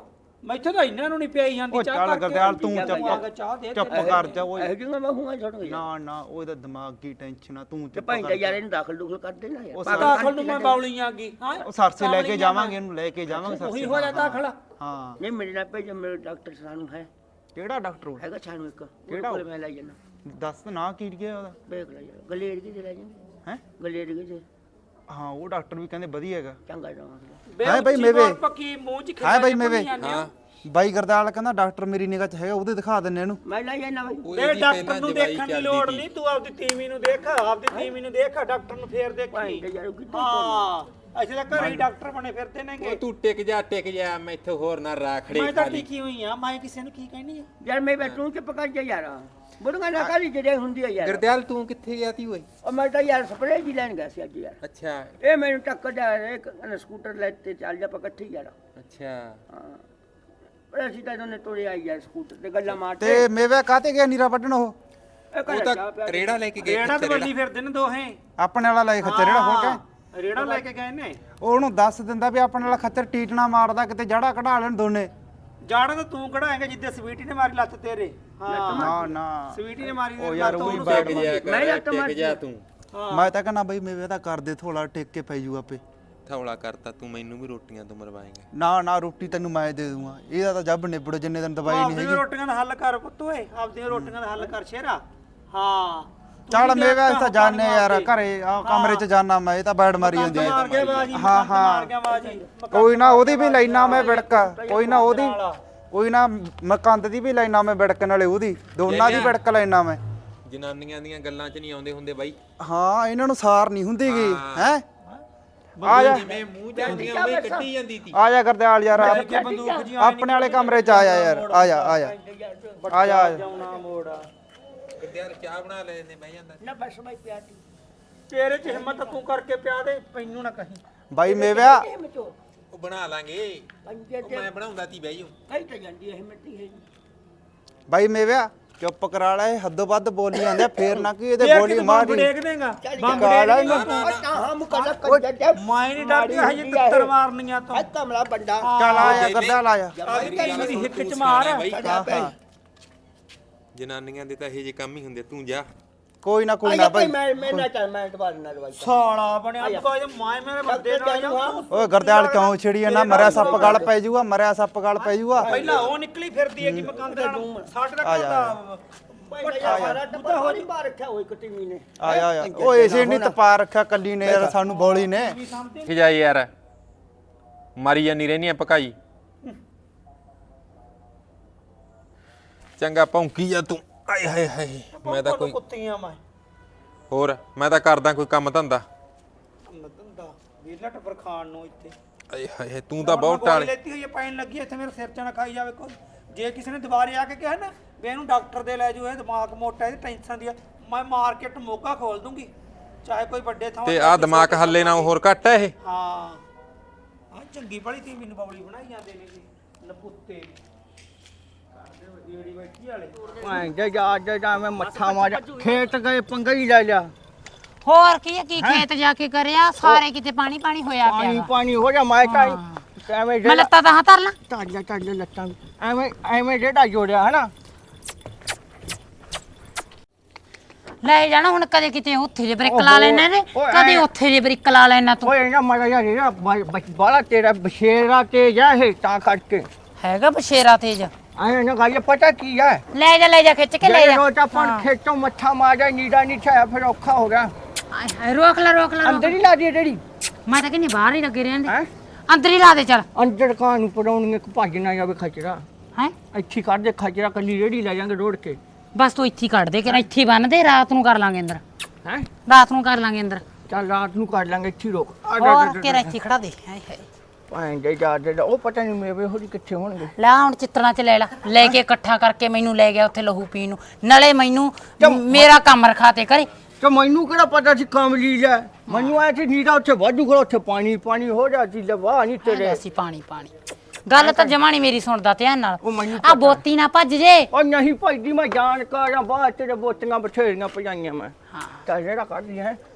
ਮੈਥੋਂ ਤਾਂ ਇਹਨਾਂ ਨੂੰ ਨਹੀਂ ਪਿਆਈ ਜਾਂਦੀ
ਉਹ
ਚਾਹ
ਚੱਲ
ਕਰਕੇ
ਗਰਦਿਆਲ ਤੂੰ
ਆ ਗਿਆ, ਚਾਹ ਦੇ
ਚੁੱਪ ਕਰ ਜਾ ਓਏ
ਇਹ ਜਿਹਾ ਮੈਂ ਹੂੰ ਛੱਡ ਗਿਆ
ਨਾ ਨਾ ਉਹਦਾ ਦਿਮਾਗ ਕੀ ਟੈਨਸ਼ਨ ਆ ਤੂੰ
ਤੇ
ਚੁੱਪ
ਭਾਈ
ਕਰ
ਯਾਰ ਇਹਨੂੰ ਦਾਖਲ ਦੂਖਲ ਕਰ ਦੇ ਨਾ
ਉਹ
ਯਾਰ
ਦਾਖਲ ਨੂੰ ਮੈਂ ਬੌਲੀ ਆਂਗੀ ਹਾਂ
ਉਹ ਸਰਸੇ ਲੈ ਕੇ ਜਾਵਾਂਗੇ ਇਹਨੂੰ ਲੈ ਕੇ ਜਾਵਾਂਗੇ ਸਰਸੇ
ਉਹੀ ਹੋ ਜਾ ਦਾਖਲ
ਹਾਂ
ਨਹੀਂ ਮੇਰੇ ਨਾਲ ਭੇਜ ਮੇਰੇ ਡਾਕਟਰ ਸਾਨੂੰ ਹੈ
ਕਿਹੜਾ ਡਾਕਟਰ ਉਹ?
ਹੈਗਾ ਸਾਨੂੰ ਇੱਕ
ਕਿਹੜਾ
ਕੋਲ ਮੈਂ ਲੈ ਜਾਣਾ
ਦੱਸ ਨਾ ਕੀ ਗਿਆ ਉਹਦਾ
ਵੇਖ ਲੈ ਯਾਰ ਗਲੇੜ ਕੀ ਦੇ ਲੈ ਜਾਂਗੇ
ਹੈ
ਗਲੇੜ ਕੀ ਦੇ
ਹਾਂ ਉਹ ਡਾਕਟਰ ਵੀ ਕਹਿੰਦੇ ਵਧੀਆ ਹੈਗਾ
ਚੰਗਾ ਜਾਵਾਂਗੇ
ਬੇ
ਹਾਂ ਬਾਈ,
ਉੱਚੀ
ਮੇਵੇ।
ਬੋਲ ਪੱਕੀ ਮੂੰਹ ਚ
ਹਾਂ ਬਾਈ,
ਖਿੱਚ ਕੇ
ਮੇਵੇ।
ਜਾਂਦੇ ਹੋ।
ਬਾਈ ਗਰਦਾਲ ਕਹਿੰਦਾ ਡਾਕਟਰ ਮੇਰੀ ਨਿਗਾਹ 'ਚ ਹੈਗਾ ਉਹਦੇ ਦਿਖਾ ਦਿੰਨੇ ਇਹਨੂੰ
ਮੈਂ ਲੈ ਜਾਣਾ ਭਾਈ
ਬੇ ਡਾਕਟਰ ਨੂੰ ਦੇਖਣ ਦੀ ਲੋੜ ਨਹੀਂ ਤੂੰ ਆਪਦੀ ਤੀਵੀਂ ਨੂੰ ਦੇਖ ਆਪਦੀ ਤੀਵੀਂ ਨੂੰ ਦੇਖ ਡਾਕਟਰ ਨੂੰ ਫੇਰ
ਭਾਈ
ਦੇਖੀ
ਯਾਰ ਕਿੱਥੇ
ਹਾਂ ਅਸੀਂ ਤਾਂ ਘਰੇ ਹੀ ਡਾਕਟਰ ਬਣੇ ਫਿਰਦੇ ਨੇਗੇ
ਉਹ ਤੂੰ ਟਿਕ ਜਾ ਮੈਥੋਂ ਹੋਰ ਨਾ ਰਾਖੜੇ
ਮੈਂ ਤਾਂ
ਖਾਲੀ
ਟਿਕੀ ਹੋਈ ਆ ਮੈਂ ਕਿਸੇ ਨੂੰ ਕੀ ਕਹਿਣੀ ਆ
ਯਾਰ ਮੈਂ ਬੈਠੂ ਚੁੱਪ ਕਰ ਜਾ ਯਾਰ ਬੁੜੀਆਂ ਨਾ ਕਾਲੀ ਜਿਹੜੇ ਹੁੰਦੀ ਆ ਯਾਰ
ਗਰਦਿਆਲ ਤੂੰ ਕਿੱਥੇ ਗਿਆ ਤੀ ਓਏ
ਉਹ ਮੈਂ ਤਾਂ ਯਾਰ ਸਪਰੇਅ ਜੀ ਲੈਣ ਗਿਆ ਸੀ ਅੱਜ ਯਾਰ
ਅੱਛਾ
ਇਹ ਮੈਨੂੰ ਟੱਕਰ ਜਾ ਇੱਕ ਸਕੂਟਰ ਲੈ ਤੇ ਚੱਲ ਜਾ ਪਕੱਠੀ ਯਾਰ
ਅੱਛਾ
ਹਾਂ ਪਰ ਅਸੀਂ ਤਾਂ ਦੋਨੇ ਤੋੜੇ ਆਈ ਯਾਰ ਸਕੂਟਰ ਤੇ ਗੱਲਾਂ ਮਾਰਦੇ
ਤੇ ਮੇਵੇ ਕਾਤੇ ਗਿਆ ਨੀਰਾ ਵੱਢਣ ਉਹ
ਇਹ
ਉਹ
ਘਰੇ
ਤਾਂ
ਚਾਹ ਪਿਆ
ਰੇੜਾ ਲੈ ਕੇ ਗਏ
ਰੇੜਾ ਤੇ
ਖੱਚਰ
ਬੱਲੀ ਫਿਰਦੇ ਨੇ ਦੋਹੇ
ਆਪਣੇ ਵਾਲਾ ਲੈ ਖੱਚਰ ਜਿਹੜਾ ਖੋਲ ਕੇ
ਰੇੜਾ ਲੈ ਕੇ ਗਏ ਨੇ
ਉਹਨੂੰ ਦੱਸ ਦਿੰਦਾ ਵੀ ਆਪਣੇ ਵਾਲਾ ਖੱਚਰ ਟੀਟਣਾ ਮਾਰਦਾ ਕਿਤੇ ਜੜਾ ਕਢਾ ਲੈਣ ਦੋਨੇ
ਜਾੜਾ ਤਾਂ ਤੂੰ ਕਢਾਏਂਗਾ ਜਿੱਦੇ ਸਵੀਟੀ ਨੇ ਮਾਰੀ ਲੱਤ ਤੇਰੇ ਹਾਂ
ਨਾ ਨਾ
ਸਵੀਟੀ ਨੇ ਮਾਰੀ
ਉਹ ਯਾਰ
ਲੱਤ
ਉਹੀ
ਉਹਨੂੰ
ਬੈਠ
ਟਿਕ ਜਾ
ਮੈਂ
ਕਰ
ਲੱਤ
ਟਿਕ
ਮਾਰਦੀ
ਜਾ
ਆ।
ਤੂੰ
ਮੈਂ ਤਾਂ ਕਹਿੰਦਾ ਬਈ ਮੇਵੇ ਤਾਂ ਕਰਦੇ ਥੋੜਾ ਟਿਕ ਕੇ ਪੈ ਜੂ ਆਪੇ
ਥੌਲਾ ਕਰਤਾ ਤੂੰ ਮੈਨੂੰ ਵੀ ਰੋਟੀਆਂ ਤੋਂ ਮਰਵਾਏਂਗਾ
ਨਾ ਨਾ ਰੋਟੀ ਤੈਨੂੰ ਮੈਂ ਦੇ ਦੂੰਗਾ ਇਹਦਾ ਤਾਂ ਜੱਬ ਨਿਬੜ ਜਿੰਨੇ ਦਿਨ ਦਵਾਈ ਨਹੀਂ
ਆਪਦੀਆਂ
ਹੈਗੀ
ਰੋਟੀਆਂ ਦਾ ਹੱਲ ਕਰ ਪੁੱਤ ਓਏ ਆਪਦੀਆਂ ਰੋਟੀਆਂ ਦਾ ਹੱਲ ਕਰ ਸ਼ੇਰਾ ਹਾਂ
ਚੱਲ ਮੇਵੇ ਅਸੀਂ ਤਾਂ ਜਾਣੇ ਯਾਰ ਘਰੇ ਆ ਕਮਰੇ 'ਚ ਜਾਣਾ ਮੈਂ ਇਹ ਤਾਂ ਬੈਡ ਮਾਰੀ ਜਾਂਦੀ ਹੈ
ਮਾਰ ਗਿਆ ਬਾਜੀ
ਹਾਂ, ਹਾਂ।
ਮਾਰ ਗਿਆ ਬਾਜੀ
ਕੋਈ ਨਾ ਉਹਦੀ ਵੀ ਲੈਣਾ ਮੈਂ ਵਿੜਕਾ ਕੋਈ ਨਾ ਮੈਂ ਕੰਦ ਦੀ ਵੀ ਲੈਣਾ ਮੈਂ ਵਿੜਕਣ ਵਾਲੇ ਉਹਦੀ ਦੋਨਾਂ ਦੀ ਵਿੜਕ ਲੈਣਾ ਮੈਂ
ਜਨਾਨੀਆਂ ਦੀਆਂ ਗੱਲਾਂ 'ਚ ਨਹੀਂ ਆਉਂਦੇ ਹੁੰਦੇ ਬਾਈ
ਹਾਂ ਇਹਨਾਂ ਨੂੰ ਸਾਰ ਨਹੀਂ ਹੁੰਦੀਗੀ ਹੈ ਆ ਜਾ
ਜਿਵੇਂ ਮੂੰਹ ਜਾਂਦੀਆਂ ਉਹੀ ਕੱਢੀ ਜਾਂਦੀ ਤੀ
ਆ ਜਾ ਗਰਦਿਆਲ ਯਾਰ
ਬੰਦੂਕ ਜੀ
ਆਪਣੇ ਵਾਲੇ ਕਮਰੇ 'ਚ ਆ ਜਾ ਯਾਰ ਆ ਜਾ ਆ ਜਾ ਆ ਜਾ
ਜਾਉਣਾ ਮੋੜ
ਗਰਦਿਆਲ ਚਾਹ ਬਣਾ ਲੈ ਨੇ ਬਹਿ ਜਾਂਦਾ
ਨਾ ਬਸ ਮੈਂ ਪਿਆ ਤੀ
ਤੇਰੇ ਚ ਹਿੰਮਤ ਤੂੰ ਕਰਕੇ ਪਿਆ ਦੇ ਮੈਨੂੰ ਨਾ ਕਹੀਂ
ਬਾਈ ਮੇਵਿਆ
ਇਹ ਮਚੋ
ਉਹ ਬਣਾ ਲਾਂਗੇ
ਪੰਜੇ
ਉਹ
ਤੇ
ਮੈਂ ਬਣਾਉਂਦਾ ਤੀ ਬਹਿ ਜਾਓ
ਕਈ ਤਾਂ ਜਾਂਦੀ ਹੈ ਮਿੱਟੀ ਹੈ
ਬਾਈ ਮੇਵਿਆ ਚੁੱਪ ਕਰਾ ਲੈ ਹੱਦੋਂ ਵੱਧ ਬੋਲੀ ਜਾਂਦੇ ਆ, ਫੇਰ ਨਾ ਕੀ ਇਹਦੇ ਬੋਲੀ
ਬੰਬ
ਮਾਰੀ
ਡੇਗ ਦੇਗਾ ਬੰਬ
ਕਾਲਾ
ਡੇਗ
ਹੀ ਨਾ
ਦੇਗਾ
ਤਾਂ ਹਾਂ ਮੁਕੱਲਾ ਕਰ ਜਾ
ਮੈਂ ਨਹੀਂ ਡਰਦਾ ਹਜੇ ਤਿੱਤਰ ਮਾਰਨੀਆਂ ਤੋਂ
ਆ ਕਮਲਾ ਬੰਦਾ
ਚੱਲ ਆ ਜਾ ਗਰਦਿਆਲ ਆ ਜਾ
ਆਪਦੀ ਤੀਵੀਂ ਦੀ ਹਿੱਕ ਚ ਮਾਰ
ਹਾਂ ਹਾਂ
ਜਨਾਨੀਆਂ ਦੇ ਤਾਂ ਇਹ ਜੇ ਕੰਮ ਹੀ ਹੁੰਦੇ ਤੂੰ ਜਾ
ਕੋਈ ਨਾ
ਆ ਜਾ
ਬਾਈ
ਮੈਂ ਨਾ ਚੱਲ ਮੈਂ ਦੁਬਾਰਾ ਨਾ ਦਵਾਈ
ਸਾਲਾ ਬਣਿਆ ਕੋਈ ਮੈਂ ਮੇਰੇ ਬੰਦੇ ਨਾਲ ਜਾ
ਓਏ ਗਰਦਿਆਲ ਕਿਉਂ ਛਿੜੀ ਨਾ ਮਰਿਆ ਸੱਪ ਗਲ ਪੈ ਜੂਗਾ ਮਰਿਆ ਸੱਪ ਗਲ ਪੈ ਜੂਗਾ
ਪਹਿਲਾਂ ਉਹ ਨਿਕਲੀ ਫਿਰਦੀ ਹੈ ਕਿ ਮਕਾਨ ਦੇ ਨਾਲ ਸਾਡੇ ਦਾ ਘਰ ਦਾ
ਸਾਰਾ ਟੱਬਰ ਹੋ ਨਹੀਂ ਬਾਹਰ ਰੱਖਿਆ ਹੋਈ ਕਟੀਵੀ ਨੇ
ਆ ਜਾ ਆ ਜਾ ਓਏ ਇਸੇ ਨਹੀਂ ਤਪਾ ਰੱਖਿਆ ਕੱਲੀ ਨੇ ਯਾਰ ਸਾਨੂੰ ਬੋਲੀ ਨੇ
ਕਿ ਜਾ ਯਾਰ ਮਾਰੀ ਜਾਨੀ ਰਹਿਨੀ ਆ ਪਕਾਈ ਚੰਗਾ ਭੌਂਕੀ ਜਾ ਤੂੰ ਆਏ ਹਾਏ ਹਾਏ ਮੈਂ ਤਾਂ ਕੋਈ
ਕੁੱਤੀਆਂ ਮੈਂ
ਹੋਰ ਮੈਂ ਤਾਂ ਕਰਦਾ ਕੋਈ ਕੰਮ ਧੰਦਾ
ਧੰਦਾ ਵੀਰਲਾ ਟੱਬਰ ਖਾਣ ਨੂੰ ਇੱਥੇ
ਆਏ ਹਾਏ ਤੂੰ ਤਾਂ ਬਹੁਤ ਟਾਲ
ਲੈਤੀ ਹੋਈ ਹੈ ਪੈਣ ਲੱਗੀ ਇੱਥੇ ਮੇਰੇ ਸਿਰ ਚ ਨਾ ਖਾਈ ਜਾਵੇ ਕੋਈ ਜੇ ਕਿਸੇ ਨੇ ਦੁਬਾਰੇ ਆ ਕੇ ਕਿਹਾ ਨਾ ਵੀ ਇਹਨੂੰ ਡਾਕਟਰ ਦੇ ਲੈ ਜਾਓ ਇਹ ਦਿਮਾਗ ਮੋਟਾ ਇਹਦੀ ਟੈਨਸ਼ਨ ਦੀ ਆ ਮੈਂ ਮਾਰਕੀਟ ਮੋਗਾ ਖੋਲ ਦੂੰਗੀ ਚਾਹੇ ਕੋਈ ਵੱਡੇ ਥਾਂ
ਤੇ ਆ ਦਿਮਾਗ ਹੱਲੇ ਨਾ ਹੋਰ ਘੱਟ ਹੈ ਇਹ
ਹਾਂ ਆ ਚੰਗੀ ਬੜੀ ਤੀ ਮੈਨੂੰ ਬੌਲੀ ਬਣਾਈ ਜਾਂਦੇ ਨੇ ਜੀ ਨਪੁੱਤੇ ਜਿਹੜੀ ਬੈਠੀ ਵਾਲੇ
ਭਾਂ ਜਾ ਮੈਂ ਮੱਥਾ ਮਾਰਿਆ ਖੇਤ ਗਏ ਪੰਗਾ ਹੀ ਲੈ ਲਿਆ
ਹੋਰ ਕੀ ਹੈ, ਕੀ ਖੇਤ ਜਾ ਕੇ ਕਰਿਆ ਸਾਰੇ ਕਿਤੇ ਪਾਣੀ ਪਾਣੀ ਹੋਇਆ ਪਿਆ
ਪਾਣੀ
ਵਾ।
ਪਾਣੀ ਹੋ ਜਾ ਮੈਂ ਤਾਂ ਐਵੇਂ
ਮੈਂ ਲੱਤਾਂ ਤਾਂ ਧਰ ਲਾਂ
ਟੱਡ ਲੱਤਾਂ ਐਵੇਂ ਜਿਹੜਾ ਜੋੜਿਆ ਹਨਾ
ਲੈ ਜਾਣਾ ਹੁਣ ਕਦੇ ਕਿਤੇ ਉੱਥੇ ਜੇ ਬ੍ਰਿਕ ਲਾ ਲੈਣਾ ਨੇ
ਓਏ
ਕਦੇ ਉੱਥੇ ਜੇ ਬ੍ਰਿਕ ਲਾ ਲੈਣਾ ਤੂੰ
ਓਏ ਨਾ ਮਜ਼ਾ ਯਾਰ ਇਹ ਬਾਲਾ ਤੇਰਾ ਬਸ਼ੇਰਾ ਤੇ ਜਾ ਹੈ ਤਾਂ ਕਰਕੇ
ਹੈਗਾ ਬਸ਼ੇਰਾ ਤੇਜ
ਐਵੇਂ ਨਾ ਗੱਲ ਪਤਾ ਕੀ ਹੈ
ਲੈ ਜਾ ਖਿੱਚ ਕੇ ਲੈ ਜਾ
ਰੋਜ਼ ਆਪਾਂ ਖੇਤੋਂ ਮੱਥਾ ਮਾਰਿਆ ਨੀੜਾ ਨਹੀਂ ਛਾਇਆ ਫਿਰ ਔਖਾ ਹੋ ਗਿਆ
ਆਏ ਹਾਏ, ਰੋਕ ਲੈ
ਅੰਦਰ ਹੀ ਲਾ ਦੀ ਜਿਹੜੀ
ਮੈਂ ਤਾਂ ਕਹਿੰਦੀ ਬਾਹਰ ਹੀ ਲੱਗੇ ਰਹਿੰਦੇ
ਹੈ
ਅੰਦਰ ਹੀ ਲਾ ਦੇ ਚੱਲ
ਅੰਦਰ ਕਾਂ ਨੂੰ ਪੜਾਉਣੀ ਇੱਕ ਭੱਜ ਨਾ ਜਾਵੇ ਖਚਰਾ
ਹੈ
ਇੱਥੇ ਹੀ ਕੱਢ ਦੇ ਖਚਰਾ ਕੱਲੀ ਰੇੜੀ ਲੈ ਜਾਾਂਗੇ ਰੋੜ ਕੇ
ਬਸ ਤੂੰ ਇੱਥੇ ਹੀ ਕੱਢ ਦੇ ਕਿ ਇੱਥੇ ਹੀ ਬੰਨ ਦੇ ਰਾਤ ਨੂੰ ਕਰ ਲਾਂਗੇ ਅੰਦਰ
ਹੈ
ਰਾਤ ਨੂੰ ਕਰ ਲਾਂਗੇ ਅੰਦਰ
ਚੱਲ ਰਾਤ ਨੂੰ ਕਰ ਲਾਂਗੇ ਇੱਥੇ ਹੀ ਰੋਕ
ਹੋਰ ਕਿਹੜਾ ਇੱਥੇ ਖੜਾ ਦੇ ਹਾਏ ਹਾਏ
ਭਾਂ ਦੇ ਉਹ ਪਤਾ ਨਹੀਂ ਮੇਰੇ ਹੋਰੀ ਕਿੱਥੇ ਹੋਣਗੇ
ਲੈ ਹੁਣ ਚਿੱਤਰਾਂ ਚ ਲੈ ਕੇ ਇਕੱਠਾ ਕਰਕੇ ਮੈਨੂੰ ਲੈ ਗਿਆ ਉੱਥੇ ਲਹੂ ਪੀਣ ਨੂੰ ਨਾਲੇ ਮੈਨੂੰ ਮੇਰਾ ਕੰਮ ਰਖਾਤੇ ਕਰੇ
ਤੇ ਮੈਨੂੰ ਕਿਹੜਾ ਪਤਾ ਸੀ ਕਮਲੀ ਲੈ ਮੈਨੂੰ ਆਇਆ ਸੀ ਨੀੜਾ ਉੱਥੇ ਵਾਧੂ ਖੜਾ ਉੱਥੇ ਪਾਣੀ ਹੋ ਜਾ ਸੀ ਲਵਾ ਨਹੀਂ ਤੇਰੇ
ਅਸੀਂ ਪਾਣੀ ਗੱਲ ਤਾਂ ਜਮਾ ਨੀ ਮੇਰੀ ਸੁਣਦਾ ਧਿਆਨ ਨਾਲ
ਉਹ ਮੈਨੂੰ
ਆ ਬੋਤੀ ਨਾ ਭੱਜ ਜੇ
ਉਹ ਨਹੀਂ ਭਾਈਦੀ ਮੈਂ ਜਾਣ ਕਰਾਂ ਬਾਅਦ ਤੇਰੇ ਬੋਤੀਆਂ ਬਥੇਰੀਆਂ ਪਜਾਈਆਂ ਮੈਂ ਤਾਂ ਜਿਹੜਾ ਕੱਢਦੀ ਹੈ